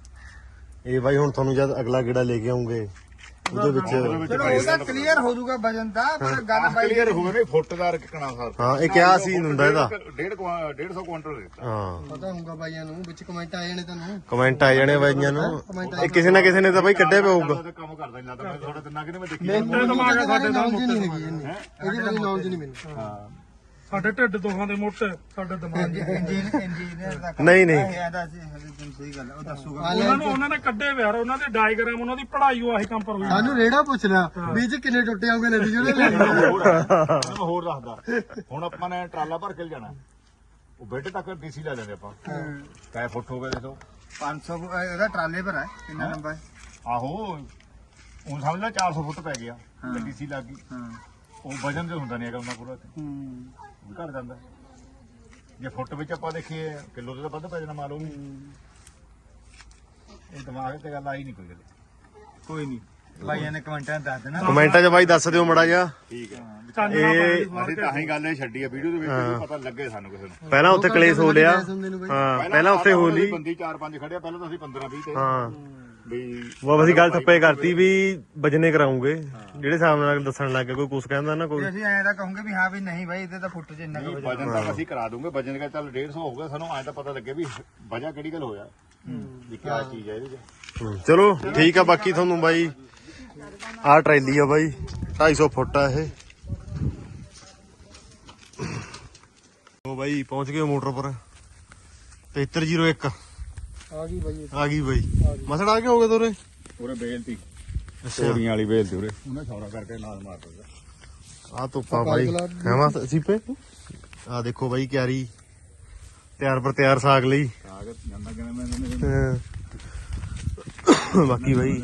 Speaker 1: ਇਹ ਬਾਈ ਹੁਣ ਤੁਹਾਨੂੰ ਜਦ ਅਗਲਾ ਗੇੜਾ ਲੈ ਕੇ ਆਉਂਗੇ ਉਹਦੇ ਵਿੱਚ
Speaker 4: ਚਲੋ ਉਹਦਾ ਕਲੀਅਰ ਹੋ ਜਾਊਗਾ ਵਜਨ ਦਾ ਪਰ ਗੱਲ ਬਾਈ
Speaker 2: ਕਲੀਅਰ ਹੋ ਗਿਆ ਨਹੀਂ ਫੁੱਟ ਦਾ ਕਿਕਣਾ ਸਰ
Speaker 1: ਹਾਂ ਇਹ ਕਿਆ ਸੀ ਹੁੰਦਾ ਇਹਦਾ
Speaker 2: ਡੇਢ ਕੁਆ- ਡੇਢ ਸੌ ਕੁਇੰਟਲ ਦਿੱਤਾ
Speaker 1: ਹਾਂ
Speaker 6: ਪਤਾ ਹੋਊਗਾ ਬਾਈਆਂ ਨੂੰ ਵਿੱਚ ਕਮੈਂਟ ਆ ਜਾਣੇ ਤੁਹਾਨੂੰ
Speaker 1: ਕਮੈਂਟ ਆ ਜਾਣੇ ਬਾਈਆਂ ਨੂੰ ਇਹ ਕਿਸੇ ਨਾ ਕਿਸੇ ਨੇ ਤਾਂ ਬਾਈ ਕੱਢਿਆ ਪਿਆ ਹੋਊਗਾ
Speaker 2: ਕੰਮ ਕਰਦਾ ਨਹੀਂ ਲੱਗਦਾ ਮੈਂ ਥੋੜਾ ਤਿੰਨਾ ਕਿਨੇ ਮੈਂ ਦੇਖੀ
Speaker 3: ਇਹ ਦਿਮਾਗ ਆ ਸਾਡੇ ਦਾ
Speaker 6: ਨੌਲੇਜ ਨਹੀਂ ਹੈਗੀ ਇੰਨੀ ਇਹਦੀ ਬੜੀ ਨੌਲੇਜ ਨਹੀਂ ਮੈਨੂੰ
Speaker 2: ਹਾਂ
Speaker 3: ਸਾਡੇ ਢਿੱਡ ਦੋਹਾਂ ਦੇ ਮੋਟੇ ਸਾਡੇ ਦਿਮਾਗ ਦੇ
Speaker 4: ਇੰਜੀਨ ਇੰਜੀਨੀਅਰ ਦਾ ਕੰਮ
Speaker 1: ਨਹੀਂ, ਨਹੀਂ।
Speaker 4: ਇਹ ਇਹਦਾ ਸੀ ਹਲੇ ਸਹੀ ਗੱਲ ਹੈ, ਉਹ ਦੱਸੂਗਾ
Speaker 3: ਉਹਨਾਂ ਨੂੰ ਉਹਨਾਂ ਨੇ ਕੱਢੇ ਵਿਆਰ ਉਹਨਾਂ ਦੇ ਡਾਇਗ੍ਰਾਮ ਉਹਨਾਂ ਦੀ ਪੜ੍ਹਾਈ ਉਹ ਆਹੀ ਕੰਮ ਪਰ ਹੋਈ
Speaker 6: ਸਾਨੂੰ ਰੇੜਾ ਪੁੱਛ ਲਿਆ ਵੀ ਚ ਕਿੰਨੇ ਟੁੱਟੇ ਆਉਂਗੇ ਨਦੀ ਜਿਹੜੇ ਲੈ
Speaker 2: ਹੋਰ ਮੈਂ ਹੋਰ ਦੱਸਦਾ ਹੁਣ ਆਪਾਂ ਨੇ ਟਰਾਲਾ ਭਰ ਕੇ ਜਾਣਾ ਉਹ ਬੇਟੇ ਤੱਕ ਡੀਸੀ ਲੈ ਲੈਂਦੇ ਆਪਾਂ ਕੈ ਫੁੱਟ ਹੋ ਗਏ ਦੇਖੋ
Speaker 4: ਪੰਜ ਸੌ ਇਹਦਾ ਟਰਾਲੇ ਪਰ ਹੈ ਕਿੰਨਾ ਨੰਬਰ
Speaker 2: ਆਹੋ ਹੁਣ ਸਮਝ ਲੈ ਚਾਰ ਸੌ ਫੁੱਟ ਪੈ ਗਿਆ ਡੀਸੀ ਲੱਗ ਗਈ
Speaker 4: ਹਾਂ
Speaker 2: ਉਹ ਵਜਨ ਤੇ ਹੁੰਦਾ ਨਹੀਂ ਹੈਗਾ ਉਹਨਾਂ ਪੂਰਾ ਤੇ
Speaker 4: ਹੂੰ
Speaker 2: ਵੀ ਘਟ ਜਾਂਦਾ ਜੇ ਫੁੱਟ ਵਿੱਚ ਆਪਾਂ ਦੇਖੀਏ ਕਿਲੋ ਤੇ ਤਾਂ ਵੱਧ ਪੈ ਜਾਣਾ ਮੰਨ ਲਓ ਇਹ ਦਿਮਾਗ ਤੇ ਗੱਲ ਆਈ ਨਹੀਂ ਕੋਈ ਗੱਲ
Speaker 4: ਕੋਈ ਨਹੀਂ ਭਾਈਆਂ ਨੇ ਕਮੈਂਟਾਂ 'ਚ ਦੱਸ ਦੇਣਾ
Speaker 1: ਕਮੈਂਟਾਂ 'ਚ ਬਾਈ ਦੱਸ ਦਿਓ ਮੜਾ ਜਿਹਾ
Speaker 2: ਠੀਕ ਹੈ
Speaker 3: ਚਾਨਣਾ ਪਾਣੀ
Speaker 2: ਅਸੀਂ ਤਾਂ ਹੀ ਗੱਲ ਇਹ ਛੱਡੀ ਆ ਵੀਡੀਓ ਦੇ ਵਿੱਚ ਵੀ ਪਤਾ ਲੱਗੇ ਸਾਨੂੰ ਕਿਸੇ ਨੂੰ
Speaker 1: ਪਹਿਲਾਂ ਉੱਥੇ ਕਲੇਸ਼ ਹੋ ਲਿਆ ਹਾਂ ਪਹਿਲਾਂ ਉੱਥੇ ਹੋ ਲਈ
Speaker 2: ਬੰਦੀ ਚਾਰ ਪੰਜ ਖੜਿਆ ਪਹਿਲਾਂ ਤਾਂ ਅਸੀਂ ਪੰਦਰਾਂ ਵੀਹ ਤੇ
Speaker 1: ਹਾਂ
Speaker 2: ਵੀ
Speaker 1: ਉਹ ਅਸੀਂ ਗੱਲ ਥੱਪੇ ਕਰਤੀ ਵੀ ਵਜਨੇ ਕਰਾਉਂਗੇ ਜਿਹੜੇ ਹਿਸਾਬ ਨਾਲ ਦੱਸਣ ਲੱਗ ਗਏ ਕੋਈ ਕੁਛ ਕਹਿੰਦਾ ਨਾ ਕੋਈ
Speaker 4: ਤੇ ਅਸੀਂ ਐਂ ਤਾਂ ਕਹੋਗੇ ਵੀ ਹਾਂ ਵੀ ਨਹੀਂ ਭਾਈ ਇਹਦੇ ਤਾਂ ਫੁੱਟ 'ਚ ਇੰਨਾ ਕੁ ਵਜਨ
Speaker 2: ਵਜਨ ਤਾਂ ਅਸੀਂ ਕਰਾ ਦੂੰਗੇ ਵਜਨ ਦਾ ਚੱਲ ਡੇਢ ਸੌ ਹੋਊਗਾ ਸਾਨੂੰ ਐਂ ਤਾਂ ਪਤਾ ਲੱਗੇ ਵੀ ਵਜ੍ਹਾ ਕਿਹੜੀ ਗੱਲ ਹੋਇਆ ਵੀ ਕੀ ਚੀਜ਼ ਹੈ ਇਹਦੇ 'ਚ
Speaker 1: ਹੂੰ, ਚਲੋ ਠੀਕ ਆ ਬਾਕੀ ਤੁਹਾਨੂੰ ਬਾਈ ਆਹ ਟਰੈਲੀ ਆ ਬਾਈ ਢਾਈ ਸੌ ਫੁੱਟ ਆ ਇਹ ਉਹ ਬਾਈ ਪਹੁੰਚ ਗਏ ਮੋਟਰ ਪਰ ਤੇਤਰ ਜ਼ੀਰੋ ਇੱਕ
Speaker 6: ਆ ਗਈ ਬਾਈ
Speaker 1: ਆ ਗਈ ਬਾਈ ਮਸੜ ਆ ਕੇ ਹੋ ਗਏ ਤੋਰੇ
Speaker 2: ਪੂਰੇ ਬੇਲਤੀ
Speaker 1: ਅੱਛਾ
Speaker 2: ਤੋਰੀਆਂ ਵਾਲੀ ਬੇਲਤੀ ਉਰੇ ਉਹਨੇ ਛੌਰਾ ਕਰਕੇ ਨਾਲ ਮਾਰ ਦਿੱਤਾ
Speaker 1: ਆ ਧੁੱਪਾ ਬਾਈ ਹੈਵਾ ਸੀਪੇ ਆ ਦੇਖੋ ਬਾਈ ਕਿਆਰੀ ਤਿਆਰ ਪਰ ਤਿਆਰ ਸਾਗ ਲਈ
Speaker 2: ਕਾਗਜ਼ ਜਾਂਦਾ ਕਿਵੇਂ ਮੈਂ ਇਹਨੇ
Speaker 1: ਹਾਂ। ਬਾਕੀ ਬਾਈ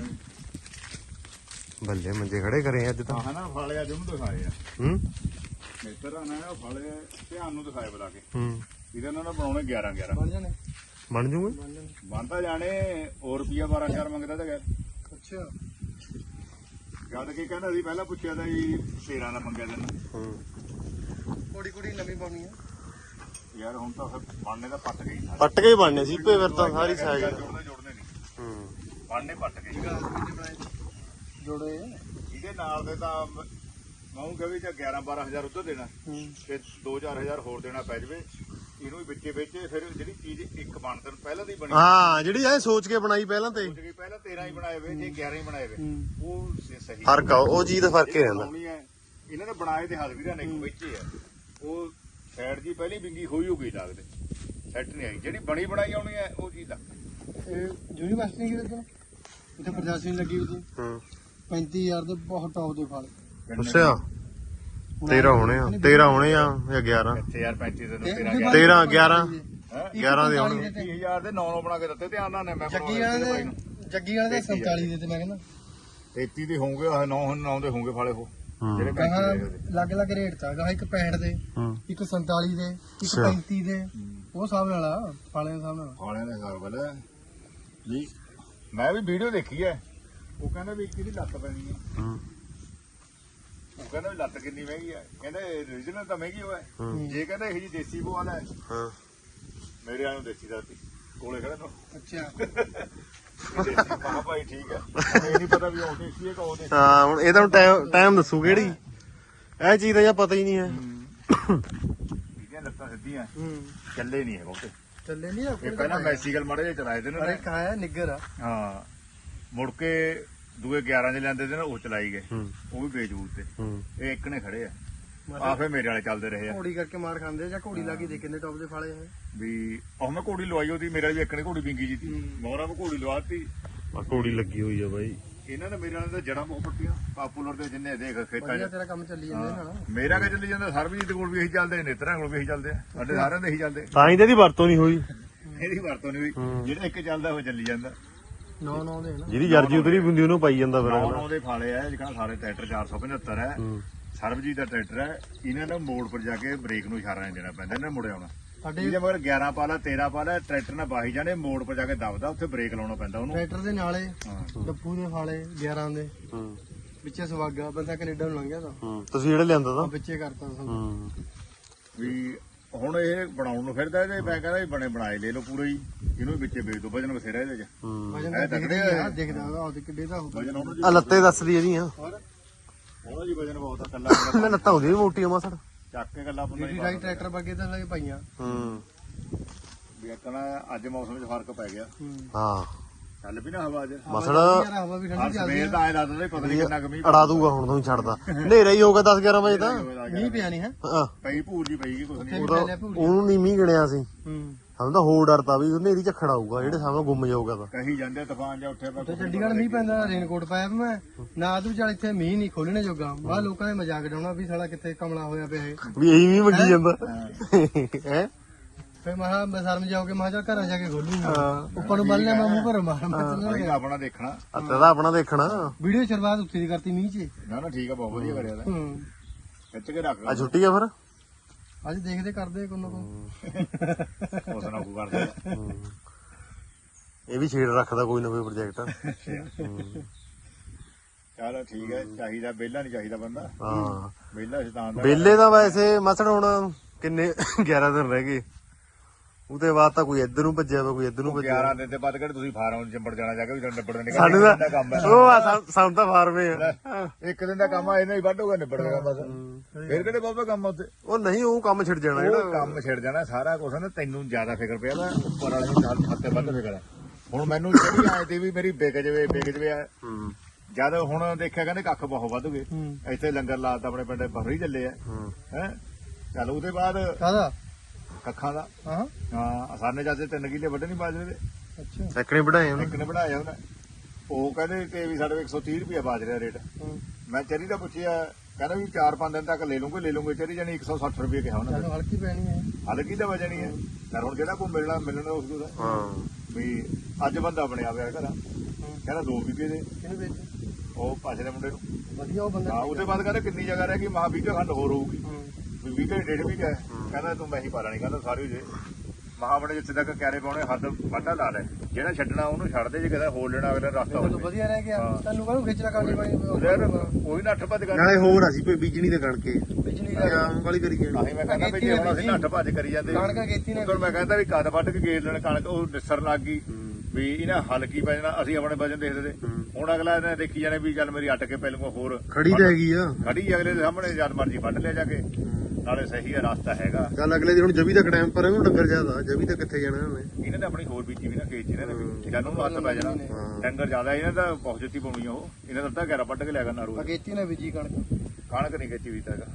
Speaker 1: ਬੱਲੇ ਮੰਜੇ ਖੜੇ ਕਰੇ ਅੱਜ ਤਾਂ
Speaker 2: ਆਹ ਨਾ ਫਾਲੇ ਅੱਜ ਉਹਨੂੰ ਦਿਖਾਏ ਆ
Speaker 1: ਹੂੰ
Speaker 2: ਮੇਤਰ ਆ ਨਾ ਉਹ ਫਾਲੇ ਧਿਆਨ ਨੂੰ ਦਿਖਾਏ ਬੁਲਾ ਕੇ
Speaker 1: ਹੂੰ
Speaker 2: ਇਹਦੇ ਨਾਲ ਬਣਾਉਣੇ ਗਿਆਰਾਂ ਗਿਆਰਾਂ
Speaker 6: ਬਣ ਜਾਣੇ
Speaker 1: ਬਣ ਜੂਗੇ
Speaker 2: ਬਣਦਾ ਜਾਣੇ ਹੋਰ ਰੁਪਿਆ ਬਾਰਾਂ ਹਜ਼ਾਰ ਮੰਗਦਾ ਤਾਂ ਗੈਰ
Speaker 6: ਅੱਛਾ
Speaker 2: ਜਦ ਕਿ ਕਹਿੰਦਾ ਸੀ ਪਹਿਲਾਂ ਪੁੱਛਿਆ ਤਾਂ ਜੀ ਤੇਰਾਂ ਦਾ ਮੰਗਿਆ ਲੈਣਾ
Speaker 1: ਹੂੰ
Speaker 6: ਕੋੜੀ ਕੋੜੀ ਨਵੀਂ ਪਾਉਣੀ ਆ
Speaker 2: ਯਾਰ ਹੁਣ ਤਾਂ ਫਿਰ ਬਣਨੇ ਦਾ ਪੱਟ ਗਈ ਸਾਰੇ
Speaker 1: ਪੱਟ ਕੇ ਹੀ ਬਣਨੇ ਸੀਪੇ ਫਿਰ ਤਾਂ ਸਾਰੀ ਸਾਗ
Speaker 2: ਜੋੜਨੇ ਜੋੜਨੇ ਨਹੀਂ
Speaker 1: ਹੂੰ
Speaker 2: ਬਣਨੇ ਪੱਟ ਗਏ
Speaker 6: ਜੋੜੇ
Speaker 2: ਇਹਦੇ ਨਾਲ ਦੇ ਤਾਂ ਮੈਂ ਉਹ ਕਹੇ ਕਿ ਗਿਆਰਾਂ ਬਾਰਾਂ ਹਜ਼ਾਰ ਉੱਧਰ ਦੇਣਾ ਤੇ ਦੋ ਚਾਰ ਹਜ਼ਾਰ ਹੋਰ ਦੇਣਾ ਪੈ ਜਵੇ ਇਹਨੂੰ ਵੀ ਵਿੱਚੇ ਵੇਚੇ ਫਿਰ ਜਿਹੜੀ ਚੀਜ਼ ਇੱਕ ਬਣਤਨ ਪਹਿਲਾਂ ਦੀ ਬਣੀ
Speaker 1: ਹਾਂ ਜਿਹੜੀ ਐ ਸੋਚ ਕੇ ਬਣਾਈ ਪਹਿਲਾਂ ਤੇ
Speaker 2: ਸੋਚ ਕੇ ਪਹਿਲਾਂ ਤੇਰਾਂ ਹੀ ਬਣਾਏ ਵੇ ਜੇ ਗਿਆਰਾਂ ਹੀ ਬਣਾਏ ਵੇ ਉਹ ਸ- ਸਹੀ
Speaker 1: ਫਰਕ ਆ ਉਹ ਚੀਜ਼ ਦਾ ਫਰਕ ਹੀ ਰਹਿੰਦਾ
Speaker 2: ਬਣਾਉਣੀ ਹੈ ਇਹਨਾਂ ਨੇ ਬਣਾਏ ਤੇ ਹਜ਼ਵੀਰਾਂ ਨੇ ਇੱਕ ਵੇਚੇ ਆ ਉਹ ਸਾਈਡ ਦੀ ਪਹਿਲੀ ਵਿੰਗੀ ਹੋਈ ਹੋ ਗਈ ਲੱਗਦੇ ਸੈੱਟ ਨਹੀਂ ਆਈ ਜਿਹੜੀ ਬਣੀ ਬਣਾਈ ਆਉਣੀ ਹੈ ਉਹ ਚੀਜ਼ ਲੱਗ
Speaker 6: ਇਹ ਯੂਨੀਵਰਸਿਟੀ ਕੀ ਦੱਸਣਾ ਇੱਥੇ ਪ੍ਰਸ਼ਾਸਨ ਲੱਗੀ ਹੋਈ ਸੀ
Speaker 1: ਹੂੰ
Speaker 6: ਪੈਂਤੀ ਹਜ਼ਾਰ ਦੇ ਬਹੁਤ ਟੌਪ ਦੇ ਫਲ
Speaker 1: ਅੱਛਾ ਤੇਰਾਂ ਹੋਣੇ ਆ ਤੇਰਾਂ ਹੋਣੇ ਆ ਜਾਂ ਗਿਆਰਾਂ
Speaker 2: ਇੱਥੇ ਯਾਰ ਪੈਂਤੀ ਦੇ ਨੂੰ ਤੇਰਾਂ
Speaker 1: ਤੇਰਾਂ ਗਿਆਰਾਂ
Speaker 2: ਹੈ
Speaker 1: ਗਿਆਰਾਂ ਦੇ ਹੋਣੇ
Speaker 2: ਤੀਹ ਹਜ਼ਾਰ ਦੇ ਨੌ ਨੌ ਬਣਾ ਕੇ ਦਿੱਤੇ ਧਿਆਨ ਨਾਲ ਨੇ ਮੈਂ
Speaker 6: ਜੱਗੀ ਵਾਲੇ ਦੇ ਜੱਗੀ ਵਾਲੇ ਦੇ ਸੰਤਾਲੀ ਦੇ ਤੇ ਮੈਂ ਕਹਿੰਦਾ
Speaker 2: ਤੇਤੀ ਦੇ ਹੋਣਗੇ ਆਹ ਨੌ ਨੌ ਦੇ ਹੋਣਗੇ ਫਾਲੇ ਉਹ ਜਿਹੜੇ
Speaker 6: ਕਹਾ
Speaker 2: ਪੈਂਤੀ ਦੇ ਉਹਦੇ।
Speaker 6: ਅਲੱਗ ਅਲੱਗ ਰੇਟ ਤਾਂ ਗਾ ਇੱਕ ਪੈਂਹਠ ਦੇ
Speaker 1: ਹੂੰ
Speaker 6: ਇੱਕ ਸੰਤਾਲੀ ਦੇ ਇੱਕ
Speaker 1: ਅੱਛਾ।
Speaker 6: ਪੈਂਤੀ ਦੇ ਉਹ ਹਿਸਾਬ ਨਾਲ ਆ ਫਾਲੇ ਦੇ ਹਿਸਾਬ ਨਾਲ
Speaker 2: ਫਾਲਿਆਂ ਦੇ ਹਿਸਾਬ ਵਾਲਾ ਜੀ ਮੈਂ ਵੀ ਵੀਡੀਓ ਦੇਖੀ ਹੈ ਉਹ ਕਹਿੰਦਾ ਵੀ ਇੱਕ ਦੀ ਲੱਤ ਪੈਣੀ ਹੈ
Speaker 1: ਹੂੰ
Speaker 2: ਉਹ ਕਹਿੰਦਾ ਵੀ ਲੱਤ ਕਿੰਨੀ ਮਹਿੰਗੀ ਆ, ਕਹਿੰਦਾ ਰੀਜਨਲ ਤਾਂ ਮਹਿੰਗੀ ਹੋਇਆ ਜੇ ਕਹਿੰਦਾ ਇਹ ਜੀ ਦੇਸੀ ਬੋਲ ਹੈ
Speaker 1: ਹਾਂ
Speaker 2: ਮੇਰੇ ਵਾਲ ਨੂੰ ਦੇਸੀ ਦਾ ਕੋਲੇ ਖੜਾ ਨੂੰ
Speaker 6: ਅੱਛਾ
Speaker 2: ਦੇਸੀ ਮਾ ਭਾਈ ਠੀਕ ਹੈ ਇਹ ਨਹੀਂ ਪਤਾ ਵੀ ਉਹ ਦੇਸੀ ਹੈ ਕਿ ਉਹ ਦੇਸੀ
Speaker 1: ਹਾਂ ਹੁਣ ਇਹ ਤਾਂ ਟਾਈਮ ਟਾਈਮ ਦੱਸੂ ਕਿਹੜੀ ਇਹ ਚੀਜ਼ ਦਾ ਜਾਂ ਪਤਾ ਹੀ ਨਹੀਂ ਹੈ
Speaker 2: ਇਹਦੀਆਂ ਲੱਤਾਂ ਸਿੱਧੀਆਂ ਚੱਲੇ ਨਹੀਂ ਹੈ ਬਹੁਤੇ
Speaker 6: ਚੱਲੇ ਨਹੀਂ
Speaker 2: ਇਹ ਪਹਿਲਾਂ ਮੈਕਸੀਕਲ ਮਾੜੇ ਜਿਹੇ ਚਲਾਏ ਤੇ
Speaker 6: ਅਰੇ
Speaker 2: ਨੇ
Speaker 6: ਕਾਇਆ ਨਿੱਗਰ ਆ
Speaker 2: ਹਾਂ ਮੁੜ ਕੇ ਦੂਏ ਗਿਆਰਾਂ ਦੇ ਲੈਂਦੇ ਤੇ ਨਾ ਉਹ ਚਲਾਈ ਗਏ
Speaker 1: ਹੂੰ
Speaker 2: ਉਹ ਵੀ ਬੇਜੂਤ ਤੇ
Speaker 1: ਹੂੰ
Speaker 2: ਇਹ ਇੱਕ ਨੇ ਖੜੇ ਆ ਆਫੇ ਮੇਰੇ ਵਾਲੇ ਚੱਲਦੇ ਰਹੇ ਆ
Speaker 6: ਘੋੜੀ ਕਰਕੇ ਮਾਰ ਖਾਂਦੇ ਜਾਂ ਘੋੜੀ ਲਾ ਕੇ ਦੇ ਕਿੰਨੇ ਟੌਪ ਦੇ ਫਾਲੇ ਹੈ
Speaker 2: ਵੀ ਉਹ ਮੈਂ ਘੋੜੀ ਲਵਾਈ ਉਹਦੀ ਮੇਰੇ ਵਾਲੀ ਵੀ ਇੱਕ ਨੇ ਘੋੜੀ ਵਿੰਗੀ ਜੀ ਤੀ ਮੋਹਰਾ ਮੈਂ ਘੋੜੀ ਲਵਾਤੀ
Speaker 1: ਆ ਘੋੜੀ ਲੱਗੀ ਹੋਈ ਆ ਬਾਈ
Speaker 2: ਇਹਨਾਂ ਨੇ ਮੇਰੇ ਵਾਲੇ ਤਾਂ ਜੜਾਂ ਬਹੁਤ ਪੱਟੀਆਂ ਪਾਪੂਲਰ ਦੇ ਜਿੰਨੇ ਦੇਖ ਖੇਤਾਂ
Speaker 6: ਵਧੀਆ
Speaker 2: 'ਚ
Speaker 6: ਤੇਰਾ ਕੰਮ ਚੱਲੀ ਜਾਂਦਾ ਨਾਲ
Speaker 2: ਮੇਰਾ ਕਿ ਚੱਲੀ ਜਾਂਦਾ ਸਰਬਜੀਤ ਦੇ ਕੋਲ ਵੀ ਇਹੀ ਚੱਲਦੇ ਨੇਤਰਾਂ ਕੋਲ ਵੀ ਇਹੀ ਚੱਲਦੇ ਆ ਸਾਡੇ ਸਾਰਿਆਂ ਦੇ ਇਹੀ ਚੱਲਦੇ
Speaker 1: ਤਾਂ ਹੀ ਤੇ ਇਹਦੀ ਵਰਤੋਂ ਨਹੀਂ ਹੋਈ
Speaker 2: ਇਹਦੀ ਵਰਤੋਂ ਨਹੀਂ ਹੋਈ ਜਿਹੜਾ ਇੱਕ ਚੱਲਦਾ ਉਹ ਚੱਲੀ ਜਾਂਦਾ
Speaker 6: ਨੌ ਨੌ ਦੇ ਨਾ
Speaker 1: ਜਿਹਦੀ ਜਰਜੀ ਉਤਰੀ ਹੁੰਦੀ ਉਹਨੂੰ ਪਾਈ ਜਾਂਦਾ ਫਿਰ
Speaker 2: ਨੌ
Speaker 1: ਅਗਲਾ।
Speaker 2: ਨੌ ਦੇ ਫਾਲੇ ਆ ਜਿਹੜਾ ਸਾਰੇ ਟਰੈਕਟਰ ਚਾਰ ਸੌ ਪਝੱਤਰ ਹੈ
Speaker 1: ਹੂੰ
Speaker 2: ਸਰਬਜੀਤ ਦਾ ਟਰੈਕਟਰ ਹੈ ਇਹਨਾਂ ਨੂੰ ਮੋੜ ਪਰ ਜਾ ਕੇ ਬ੍ਰੇਕ ਨੂੰ ਇਸ਼ਾਰਾ ਨਹੀਂ ਦੇਣਾ ਪੈਂਦਾ ਇਹਨਾਂ ਮੁੜੇ ਆਉਣਾ
Speaker 6: ਸਾਡੇ
Speaker 2: ਇਹਦੇ ਮਗਰ ਗਿਆਰਾਂ ਪਾਲਾ ਤੇਰਾਂ ਪਾਲਾ ਟਰੈਕਟਰ ਨਾਲ ਬਾਹੀ ਜਾਣੇ ਮੋੜ ਪਰ ਜਾ ਕੇ ਦਬਦਾ ਉੱਥੇ ਬ੍ਰੇਕ ਲਾਉਣਾ ਪੈਂਦਾ ਉਹਨੂੰ
Speaker 6: ਟਰੈਕਟਰ ਦੇ ਨਾਲੇ
Speaker 2: ਹਾਂ
Speaker 6: ਡੱਪੂ ਦੇ ਫਾਲੇ ਗਿਆਰਾਂ ਦੇ
Speaker 1: ਹੂੰ
Speaker 6: ਵਿੱਚੇ ਸਵਾਗਾ ਬੰਦਾ ਕੈਨੇਡਾ ਨੂੰ ਲੰਘਿਆ ਤਾਂ
Speaker 1: ਹੂੰ ਤੁਸੀਂ ਜਿਹੜੇ ਲਿਆਂਦਾ
Speaker 6: ਆ
Speaker 1: ਤਾਂ
Speaker 6: ਵਿੱਚੇ ਕਰਤਾ ਸਾਨੂੰ
Speaker 1: ਹੂੰ
Speaker 2: ਵੀ ਹੁਣ ਇਹ ਬਣਾਉਣ ਨੂੰ ਫਿਰਦਾ ਇਹਦੇ ਮੈਂ ਕਹਿੰਦਾ ਵੀ ਬਣੇ ਬਣਾਏ ਲੈ ਲਓ ਪੂਰੇ ਹੀ ਇਹਨੂੰ ਵੀ ਵਿੱਚੇ ਵੇਚ ਦੋ ਵਜਨ ਬਥੇਰਾ ਇਹਦੇ ਚ
Speaker 1: ਹੂੰ
Speaker 6: ਵਜਨ
Speaker 2: ਇਹ
Speaker 6: ਤਾਂ
Speaker 2: ਤਕੜੇ
Speaker 6: ਦਿਖਦਾ
Speaker 2: ਆ।
Speaker 6: ਆ ਦਿਖਦਾ ਆ ਤੇ ਕਿੱਡੇ ਦਾ ਹੋਊਗਾ
Speaker 2: ਵਜਨ ਉਹਨੂੰ ਜੀ
Speaker 1: ਆ ਲੱਤੇ ਦੱਸਦੀ ਇਹਦੀਆਂ
Speaker 2: ਉਹਦਾ ਜੀ ਵਜਨ ਬਹੁਤ ਆ ਕੱਲਾ
Speaker 1: ਮੈਂ ਲੱਤਾਂ ਹੁੰਦੀ ਮੋਟੀਆਂ ਮਾਸੜ
Speaker 2: ਚੱਕ ਕੇ ਗੱਲਾਂ ਬੰਦਾ
Speaker 6: ਜਿਹੜੀ ਰਾਈ ਟਰੈਕਟਰ ਬੱਗੇ ਤਾਂ ਲੱਗੇ ਪਾਈਆਂ
Speaker 1: ਹੂੰ
Speaker 2: ਵੀ ਕਹਣਾ ਅੱਜ ਮੌਸਮ ਵਿੱਚ ਫਰਕ ਪੈ ਗਿਆ
Speaker 6: ਹੂੰ
Speaker 1: ਹਾਂ
Speaker 2: ਚੱਲ ਵੀ ਨਾ ਹਵਾ ਅੱਜ
Speaker 1: ਮਸੜ
Speaker 6: ਯਾਰ ਹਵਾ ਵੀ
Speaker 2: ਹਰ
Speaker 6: ਠੰਡੀ ਚੱਲਦੀ
Speaker 2: ਸਵੇਰ ਦਾ ਆਏ ਲੱਗਦਾ ਪਤਾ ਨਹੀਂ ਕਿੰਨਾ ਕਮੀ
Speaker 1: ਅੜਾ ਦੂਗਾ ਹੁਣ ਤੋਂ ਛੱਡਦਾ ਹਨੇਰਾ ਹੀ ਹੋ ਗਿਆ ਦਸ ਗਿਆਰਾਂ ਵਜੇ ਤਾਂ
Speaker 6: ਮੀਂਹ ਪਿਆ ਨਹੀਂ ਹੈ
Speaker 1: ਹਾਂ
Speaker 2: ਪਈ ਭੂਰ ਜੀ ਪਈ ਗਈ ਕੁਛ ਨਹੀਂ
Speaker 6: ਉੱਥੇ ਵੀ ਪੈ ਲਿਆ ਭੂਰੀ
Speaker 1: ਉਹਨੂੰ ਨਹੀਂ ਮੀਂਹ ਗਿਣਿਆ ਸੀ
Speaker 6: ਹੂੰ
Speaker 1: ਸਾਨੂੰ ਤਾਂ ਹੋਰ ਡਰਤਾ ਵੀ ਹਨੇਰੀ ਝੱਖੜ ਆਊਗਾ ਜਿਹੜੇ ਸਾਹਮਣੇ ਗੁੰਮ ਜਾਊਗਾ ਤਾਂ
Speaker 2: ਕਹੀ ਜਾਂਦੇ ਤੂਫਾਨ ਜਾਂ ਉੱਠਿਆ ਪਿਆ
Speaker 6: ਤੇ ਚੰਡੀਗੜ੍ਹ ਮੀਂਹ ਪੈਂਦਾ ਰੇਨਕੋਟ ਪਾਇਆ ਵੀ ਮੈਂ ਨਾ ਤੂੰ ਚੱਲ ਇੱਥੇ ਮੀਂਹ ਨਹੀਂ ਖੋਲਣੇ ਜੋਗਾ ਬਾਹਰ ਲੋਕਾਂ ਨੇ ਮਜ਼ਾਕ ਡਾਉਣਾ ਵੀ ਸਾਲਾ ਕਿੱਥੇ ਕਮਲਾ ਹੋਇਆ ਪਿਆ ਇਹ
Speaker 1: ਵੀ ਇਹੀ ਵੀ ਮੰਗੀ ਜਾਂਦਾ ਹੈ
Speaker 6: ਫੇ ਮਹਾ ਮੈਂ ਸ਼ਰਮ ਜਾਓਗੇ ਮੈਂ ਕਿਹਾ ਚੱਲ ਘਰਾਂ ਜਾ ਕੇ ਖੋਲੂੰਗਾ ਉੱਪਰ ਨੂੰ ਬੰਨਿਆ ਮੈਂ ਮੂੰਹ ਭਰ ਮਾਰ ਮੈਂ
Speaker 2: ਅਸੀਂ ਤਾਂ ਆਪਣਾ ਦੇਖਣਾ
Speaker 1: ਅੱਤੇ ਦਾ ਆਪਣਾ ਦੇਖਣਾ
Speaker 6: ਵੀਡੀਓ ਸ਼ੁਰੂਆਤ ਉੱਥੇ ਦੀ ਕਰਤੀ ਮੀਂਹ 'ਚ
Speaker 2: ਨਾ ਨਾ ਠੀਕ ਆ ਬਹੁਤ ਵਧੀਆ ਕਰਿਆ ਤਾਂ
Speaker 6: ਹੂੰ
Speaker 2: ਖਿੱਚ ਕੇ ਰੱਖ
Speaker 1: ਆ ਛੁੱਟੀ ਆ ਫਿਰ
Speaker 6: ਅੱਜ ਦੇਖਦੇ ਕਰਦੇ ਕੋਈ ਨਾ ਕੋਈ
Speaker 2: ਉਸ ਨਾਲ ਕੋ ਕਰਦੇ
Speaker 1: ਹੂੰ। ਇਹ ਵੀ ਛੇੜ ਰੱਖਦਾ ਕੋਈ ਨਾ ਕੋਈ ਪ੍ਰੋਜੈਕਟ
Speaker 2: ਚਲ ਠੀਕ ਹੈ ਚਾਹੀਦਾ ਵਿਹਲਾ ਨਹੀਂ ਚਾਹੀਦਾ ਬੰਦਾ
Speaker 1: ਹਾਂ
Speaker 2: ਵਿਹਲਾ ਸ਼ੈਤਾਨ ਦਾ
Speaker 1: ਬੇਲੇ ਦਾ ਵੈਸੇ ਮਸੜ ਹੁਣ ਕਿੰਨੇ ਗਿਆਰਾਂ ਦਿਨ ਰਹਿ ਗਏ ਉਹਦੇ ਬਾਅਦ ਤਾਂ ਕੋਈ ਇੱਧਰ ਨੂੰ ਭੱਜਿਆ ਵਾ ਕੋਈ ਇੱਧਰ ਨੂੰ ਭੱਜਿਆ
Speaker 2: ਗਿਆਰਾਂ ਦਿਨ ਦੇ ਬਾਅਦ ਕਿਹੜੇ ਤੁਸੀਂ ਫਾਰਮ ਚੰਬੜ ਜਾਣਾ ਜਾ ਕੇ ਵੀ ਨਿਬੜ ਦੇ
Speaker 1: ਸਾਨੂੰ ਤਾਂ
Speaker 2: ਕੰਮ ਹੈ
Speaker 1: ਉਹ ਆ ਸਾਨੂੰ- ਸਾਨੂੰ ਤਾਂ ਫਾਰਮੇ ਆ
Speaker 2: ਇੱਕ ਦਿਨ ਦਾ ਕੰਮ ਆ ਇਹਨਾਂ ਹੀ ਵੱਢ ਹੋਗਾ ਨਿਬੜ ਗਿਆ ਬਸ ਫਿਰ ਕਿਹੜੇ ਬਹੁਤਾ ਕੰਮ ਆ ਉੱਥੇ
Speaker 1: ਉਹ ਨਹੀਂ ਉਹ ਕੰਮ ਛਿੜ ਜਾਣਾ
Speaker 2: ਉਹ
Speaker 1: ਜਿਹੜਾ
Speaker 2: ਕੰਮ ਛਿੜ ਜਾਣਾ ਸਾਰਾ ਕੁਝ ਨਾ ਤੈਨੂੰ ਜ਼ਿਆਦਾ ਫਿਕਰ ਪਿਆ ਵਾ ਉੱਪਰ ਵਾਲੇ ਨੂੰ ਨਾਲ ਹੱਥੇ ਵੱਧ ਫਿਕਰ ਹੈ ਹੁਣ ਮੈਨੂੰ ਜਿਹੜੀ ਆਏ ਤੇ ਵੀ ਮੇਰੀ ਵਿਕ ਜਵੇ ਵਿਕ ਜਵੇ ਆ
Speaker 1: ਹੂੰ
Speaker 2: ਜਦ ਹੁਣ ਦੇਖਿਆ ਕਹਿੰਦੇ ਕੱਖ ਬਹੁਤ ਵੱਧ ਗਏ
Speaker 6: ਹੂੰ
Speaker 2: ਇੱਥੇ ਲੰਗਰ ਲਾਤਾ ਆਪਣੇ ਪਿੰਡੇ ਬਹਰੀ ਚੱਲੇ ਆ
Speaker 1: ਹੂੰ
Speaker 2: ਹੈ ਚੱਲ ਉਹਦੇ ਬਾਅਦ
Speaker 6: ਕਾਹਦਾ
Speaker 2: ਕੱਖਾਂ ਦਾ
Speaker 6: ਹਾਂ
Speaker 2: ਹਾਂ ਸਾਨੇ ਜਾਂਦੇ ਤਿੰਨ ਕਿੱਲੇ ਵੱਢੇ ਨਹੀਂ ਬਾਜਰੇ ਦੇ
Speaker 6: ਅੱਛਾ
Speaker 1: ਸੈਕੜੇ ਵਧਾਏ ਉਹਨੇ
Speaker 2: ਇੱਕ ਨੇ ਬਣਾਇਆ ਉਹਨੇ ਉਹ ਕਹਿੰਦੇ ਕਿ ਵੀ ਸਾਡੇ ਇੱਕ ਸੌ ਤੀਹ ਰੁਪਏ ਬਾਜਰੇ ਦਾ ਰੇਟ
Speaker 6: ਹੂੰ
Speaker 2: ਮੈਂ ਚਰੀ ਦਾ ਪੁੱਛਿਆ ਕਹਿੰਦਾ ਵੀ ਚਾਰ ਪੰਜ ਦਿਨ ਤੱਕ ਲੈ ਲੂੰਗੇ ਲੈ ਲੂੰਗੇ ਚਰੀ ਜਾਨੀ ਇੱਕ ਸੌ ਸੱਠ ਰੁਪਏ ਕਿਹਾ ਉਹਨਾਂ
Speaker 6: ਚੱਲ
Speaker 2: ਨੇ
Speaker 6: ਹਲਕੀ ਪੈਣੀ ਹੈ
Speaker 2: ਹਲਕੀ ਦਾ ਵਜਨ ਹੀ ਹੈ ਪਰ ਹੁਣ ਜਿਹੜਾ ਕੋ ਮਿਲਣਾ ਮਿਲਣਾ ਉਸ ਦਾ
Speaker 1: ਹਾਂ
Speaker 2: ਵੀ ਅੱਜ ਬੰਦਾ ਬਣਿਆ ਪਿਆ ਘਰਾਂ ਕਹਿੰਦਾ ਦੋ ਵਿਕੇ ਦੇ
Speaker 6: ਕਿਹਨੂੰ ਵੇਚ
Speaker 2: ਉਹ ਪਾਛੇ ਦੇ ਮੁੰਡੇ ਨੂੰ
Speaker 6: ਵਧੀਆ ਉਹ ਬੰਦਾ
Speaker 2: ਹਾਂ ਉਹਦੇ ਬਾਅਦ ਕਹਿੰਦਾ ਕਿੰਨੀ ਜਗ੍ਹਾ ਰਹਿ ਗਈ ਮਹਾ ਵੀਹ ਖੰਡ ਹੋਰ ਹੋਊਗੀ
Speaker 6: ਹੂੰ
Speaker 2: ਵੀ ਵੀਹ ਘੰਟੇ ਡੇਢ ਵੀ ਹੈ ਕਹਿੰਦਾ ਤੂੰ ਮੈਂ ਹੀ ਪਾ ਲੈਣੀ ਕਹਿੰਦਾ ਸਾਰੀ ਜੇ ਮਹਾ ਬਣੇ ਜਿੱਥੇ ਤੱਕ ਕਿਆਰੇ ਪਾਉਣੇ ਹੱਦ ਵਾਢਾ ਲਾ ਲੈ ਜਿਹੜਾ ਛੱਡਣਾ ਉਹਨੂੰ ਛੱਡ ਦੇ ਜੇ ਕਿਤੇ ਹੋਰ ਲੈਣਾ ਅਗਲੇ ਰਸਤਾ
Speaker 6: ਤੈਨੂੰ
Speaker 2: ਹੋਵੇ
Speaker 6: ਵਧੀਆ ਰਹਿ ਗਿਆ ਤੈਨੂੰ ਕਾਹਨੂੰ ਖਿੱਚਣਾ ਕਰਨੀ
Speaker 2: ਯਾਰ
Speaker 6: ਪਾਈ
Speaker 2: ਕੋਈ ਨਾ ਅੱਠ ਭੱਜ ਕਰ
Speaker 1: ਨਾਲੇ ਹੋਰ ਅਸੀਂ ਕੋਈ ਬੀਜਣੀ ਤੇ ਕਣਕੇ
Speaker 6: ਬਿਜਲੀ ਦਾ
Speaker 1: ਆਮ ਵਾਲੀ ਕਰੀ ਜਾਣੀ
Speaker 2: ਆਹੀ ਮੈਂ ਕਹਿੰਦਾ ਵੀ ਜੇ ਹੁਣ ਅਸੀਂ ਨੱਠ ਭੱਜ ਕਰੀ ਜਾਂਦੇ
Speaker 6: ਕਣਕਾਂ ਖੇਤੀ ਨੇ
Speaker 2: ਉਦੋਂ ਮੈਂ ਕਹਿੰਦਾ ਵੀ ਕਦ ਵੱਢ ਕੇ ਗੇਰ ਲੈਣ ਕਣਕ ਉਹ ਨਿਸਰ ਲੱਗ ਗਈ ਵੀ ਇਹਨਾਂ ਹਲਕੀ ਪੈ ਜਾਣਾ ਅਸੀਂ ਆਪਣੇ ਵਜਨ ਦੇਖਦੇ ਤੇ ਹੁਣ ਅਗਲਾ ਇਹਨੇ ਦੇਖੀ ਜਾਣੇ ਵੀ ਚੱਲ ਮੇਰੀ ਅੱਟ ਕੇ ਪਹਿਲੋਂ ਹੋਰ
Speaker 1: ਖੜੀ ਤਾਂ ਹੈਗੀ ਆ
Speaker 2: ਖੜੀ ਅਗਲੇ ਦੇ ਸਾਹਮਣੇ ਜਦ ਮਰਜੀ ਵੱਢ ਲਿਆ ਜਾ ਕੇ ਨਾਲੇ ਸਹੀ ਹੈ ਰਸਤਾ ਹੈਗਾ
Speaker 1: ਚੱਲ ਅਗਲੇ ਦੀ ਹੁਣ ਜਵੀ ਤੱਕ ਟਾਈਮ ਪਰ ਇਹਨੂੰ ਡੰਗਰ ਜ਼ਿਆਦਾ ਜਵੀ ਤਾਂ ਕਿੱਥੇ ਜਾਣਾ ਉਹਨੇ
Speaker 2: ਇਹਨਾਂ ਨੇ ਆਪਣੀ ਹੋਰ ਬੀਜੀ ਵੀ ਨਾ ਖੇਤ ਚ ਇਹਨਾਂ ਨੇ ਵੀ ਜਦ ਉਹਨੂੰ ਹੱਥ ਪੈ ਜਾਣਾ ਡੰਗਰ ਜ਼ਿਆਦਾ ਇਹਨਾਂ ਦਾ ਬਹੁਤ ਜੱਤੀ ਪਾਉਣੀ ਆ ਉਹ ਇਹਨਾਂ ਦਾ ਤਾਂ ਗਿਆਰਾਂ ਵੱਢ ਕੇ ਲਿਆ ਕਰਨਾ ਰੋਜ਼
Speaker 6: ਅਗੇਤੀ ਨੇ ਬੀਜੀ ਕਣਕ
Speaker 2: ਕਣਕ ਨਹੀਂ ਖੇਤੀ ਵੀ ਤੱਕ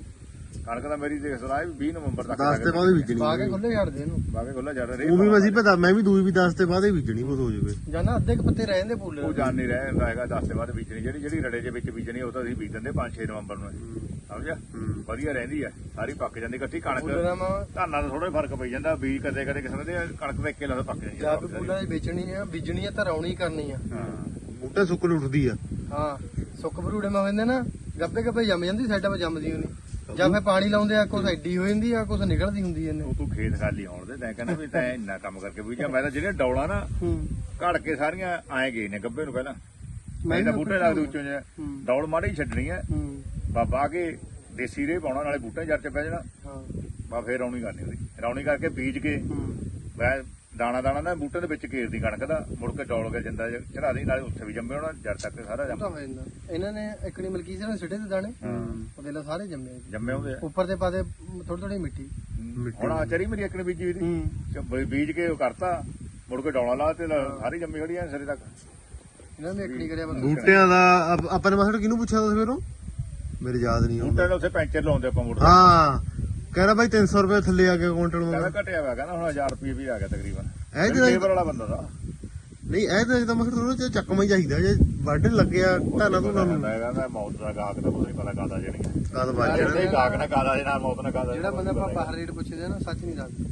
Speaker 2: ਕਣਕ ਦਾ ਮੇਰੀ ਦੇਖ ਸਲਾਹ ਵੀ ਵੀਹ ਨਵੰਬਰ ਤੱਕ
Speaker 1: ਦਸ ਤੇ ਬਾਅਦ ਹੀ ਬੀਜਣੀ
Speaker 6: ਪਾ ਕੇ ਖੁੱਲੇ ਛੱਡ ਦੇ ਇਹਨੂੰ
Speaker 2: ਬਾਗੇ ਕੋਲਾ ਜੜ ਰਹੇ
Speaker 1: ਉਹ ਵੀ ਅਸੀਂ ਪਤਾ ਮੈਂ ਵੀ ਦੂਈ ਵੀ ਦਸ ਤੇ ਬਾਅਦ ਹੀ ਬੀਜਣੀ ਕੁਝ ਹੋ ਜਾਵੇ
Speaker 6: ਜਾਨਾ ਅੱਧੇ ਕੁ ਪੱਤੇ ਰਹਿ ਜਾਂਦੇ ਪੂਲੇ
Speaker 2: ਉਹ ਜਾਣ ਨਹੀਂ ਰਿਹਾ ਹੁੰਦਾ ਹੈਗਾ ਦਸ ਦੇ ਬਾਅਦ ਬੀਜਣੀ ਜਿਹੜੀ ਜਿਹੜੀ ਰੜੇ ਦੇ ਵਿੱਚ ਬੀਜਣੀ ਉਹ ਤਾਂ ਅਸੀਂ ਬੀਜ ਦਿੰਦੇ ਪੰਜ ਛੇ ਨਵੰਬਰ ਨੂੰ ਸਮਝਿਆ ਵਧੀਆ ਰਹਿੰਦੀ ਆ ਸਾਰੀ ਪੱਕ ਜਾਂਦੀ ਇਕੱਠੀ ਕਣਕ
Speaker 6: ਪੂਲੇ ਦਾ ਮਾਂ
Speaker 2: ਧਾਨਾਂ ਦਾ ਥੋੜਾ ਫਰਕ ਪਈ ਜਾਂਦਾ ਬੀਜ ਕਦੇ ਕਦੇ ਕਿਸਮ ਦੇ ਕਣਕ ਵੇਖ ਕੇ ਲੱਗਦਾ ਪੱਕ ਜਾਂਦੀ ਆ
Speaker 6: ਜਾਂ ਵੀ ਪੂਲਾ ਵੇਚਣੀ ਆ ਬੀਜਣੀ ਆ ਧਰਾਉਣੀ ਕਰਨੀ ਆ
Speaker 2: ਹਾਂ
Speaker 1: ਬੂਟੇ ਸੁੱਕਣ ਉੱਠਦੀ ਆ
Speaker 6: ਹਾਂ ਸੁੱਕ ਭਰੂੜੇ ਮਾ ਹੁੰਦੇ ਨਾ ਗੱਬੇ ਗੱਬੇ ਜੰਮ ਜਾਂਦੀ ਸਾਈਡਾਂ 'ਤੇ ਜੰਮਦੀ ਹੁੰਦੀ ਜਾਂ ਫੇ ਪਾਣੀ ਲਾਉਂਦੇ ਆ ਕੁਛ ਐਡੀ ਹੋ ਜਾਂਦੀ ਆ ਕੁਛ ਨਿਕਲਦੀ ਹੁੰਦੀ ਇਹਨੇ
Speaker 2: ਉਹ ਤੂੰ ਖੇਤ ਖਾਲੀ ਆਉਣ ਦੇ ਤੈਂ ਕਹਿੰਦਾ ਵੀ ਤੈਂ ਇੰਨਾ ਕੰਮ ਕਰਕੇ ਬੀਜਿਆ ਮੈਂ ਤਾਂ ਜਿਹੜੇ ਡੌਲਾ ਨਾ
Speaker 6: ਹੂੰ
Speaker 2: ਘੜ ਕੇ ਸਾਰੀਆਂ ਆਏ ਗਏ ਨੇ ਗੱਬੇ ਨੂੰ ਪਹਿਲਾਂ
Speaker 6: ਮੈਂ
Speaker 2: ਮੈਂ ਤਾਂ ਬੂਟੇ ਲੱਗਦੇ ਉੱਚੋਂ ਜਿਹਾ
Speaker 6: ਹੂੰ।
Speaker 2: ਡੌਲ ਮਾੜੀ ਹੀ ਛੱਡਣੀ ਆ
Speaker 6: ਹੂੰ
Speaker 2: ਬਾਬਾ ਕੇ ਦੇਸੀ ਰੇ ਪਾਉਣਾ ਨਾਲੇ ਬੂਟੇ ਜੜ ਚ ਪੈ ਜਾਣਾ
Speaker 6: ਹਾਂ
Speaker 2: ਬਾ ਫੇਰ ਰੌਣੀ ਕਰਨੀ ਉਹਦੀ ਰੌਣੀ ਕਰਕੇ ਬੀਜ ਕੇ ਮੈਂ ਦਾਣਾ ਦਾਣਾ ਨਾ ਬੂਟੇ ਦੇ ਵਿੱਚ ਘੇਰਦੀ ਕਣਕ ਦਾ ਮੁੜ ਕੇ ਡੋਲ ਕੇ ਜਿੰਦਾ ਚੜਾ ਦੀ ਨਾਲੇ ਉੱਥੇ ਵੀ ਜੰਮੇ ਹੋਣਾ ਜੜ ਤੱਕ ਸਾਰਾ
Speaker 6: ਉਹ
Speaker 2: ਜੰਮ
Speaker 6: ਤਾਂ ਹੋ ਜਾਂਦਾ ਇਹਨਾਂ ਨੇ ਇਕਣੀ ਮਲਕੀ ਸੀ ਨਾ ਸਿੱਟੇ ਤੇ ਦਾਣੇ ਉਹ ਦੇ ਲਾ ਸਾਰੇ ਜੰਮੇ
Speaker 2: ਜੰਮੇ ਹੁੰਦੇ ਆ
Speaker 6: ਉੱਪਰ ਤੇ ਪਾਦੇ ਥੋੜੀ ਥੋੜੀ ਮਿੱਟੀ
Speaker 2: ਹੁਣ ਆ ਚਰੀ ਮੇਰੀ ਇੱਕ ਨੇ ਬੀਜੀ ਦੀ
Speaker 6: ਹੂੰ
Speaker 2: ਬੀਜ ਕੇ ਉਹ ਕਰਤਾ ਮੁੜ ਕੇ ਡੌਲਾ ਲਾ ਤੇ ਸਾਰੀ ਜੰਮੀ ਖੜੀ ਆ ਸਿਰੇ ਤੱਕ
Speaker 6: ਇਹਨਾਂ ਨੇ ਇਕਣੀ ਕਰਿਆ ਬਸ
Speaker 1: ਬੂਟਿਆਂ ਦਾ ਆਪ- ਆਪਾਂ ਨੇ ਮਾਸੜ ਕਿਹਨੂੰ ਪੁੱਛਿਆ ਤਾਂ ਸਵੇਰੋਂ ਮੇਰੇ ਯਾਦ ਨਹੀਂ ਆਉਂਦਾ
Speaker 2: ਬੂਟੇ ਦੇ ਉੱਥੇ ਪੈਂਚਰ ਲਾਉਂਦੇ ਆਪਾਂ ਮੋਟਰ
Speaker 1: ਹਾਂ ਕਹਿੰਦਾ ਬਾਈ ਤਿੰਨ ਸੌ ਰੁਪਏ ਥੱਲੇ ਆ ਕੇ ਕੁਇੰਟਲ ਮੰਗਾ
Speaker 2: ਕਹਿੰਦਾ ਘਟਿਆ ਹੋਇਆ ਕਹਿੰਦਾ ਹੁਣ ਹਜ਼ਾਰ ਰੁਪਏ ਵੀ ਆ ਗਿਆ ਤਕਰੀਬਨ
Speaker 1: ਇਹ ਜਿਹੜਾ
Speaker 2: ਲੇਬਰ ਵਾਲਾ ਬੰਦਾ ਦਾ
Speaker 1: ਨਹੀਂ ਇਹ ਤਾਂ ਜਦੋਂ ਮਾਸੜ ਥੋੜਾ ਚੱਕਮਾ ਹੀ ਚਾਹੀਦਾ ਜੇ ਵਾਢਣ ਲੱਗਿਆ ਧਾਨਾ ਧੁਨਾ ਨੂੰ
Speaker 2: ਕਹਿੰਦਾ ਮੌਤ ਦਾ ਗਾਹਕ ਦਾ ਕੁਝ ਨਹੀਂ ਪਤਾ ਕਾਦਾ ਜਿਹੜੀ
Speaker 1: ਕਦ ਵੱਜ ਜਾਣਾ
Speaker 2: ਜਿਹੜੇ ਗਾਹਕ ਨਾ ਕਾਦਾ ਜੇ ਨਾਲ ਮੌਤ ਨਾ ਕਾਦਾ
Speaker 6: ਜਿਹੜਾ ਬੰਦਾ ਆਪਾਂ ਬਾਹਰ ਰੇਟ ਪੁੱਛਦੇ ਆ ਨਾ ਸੱਚ ਨਹੀਂ ਦੱਸਦਾ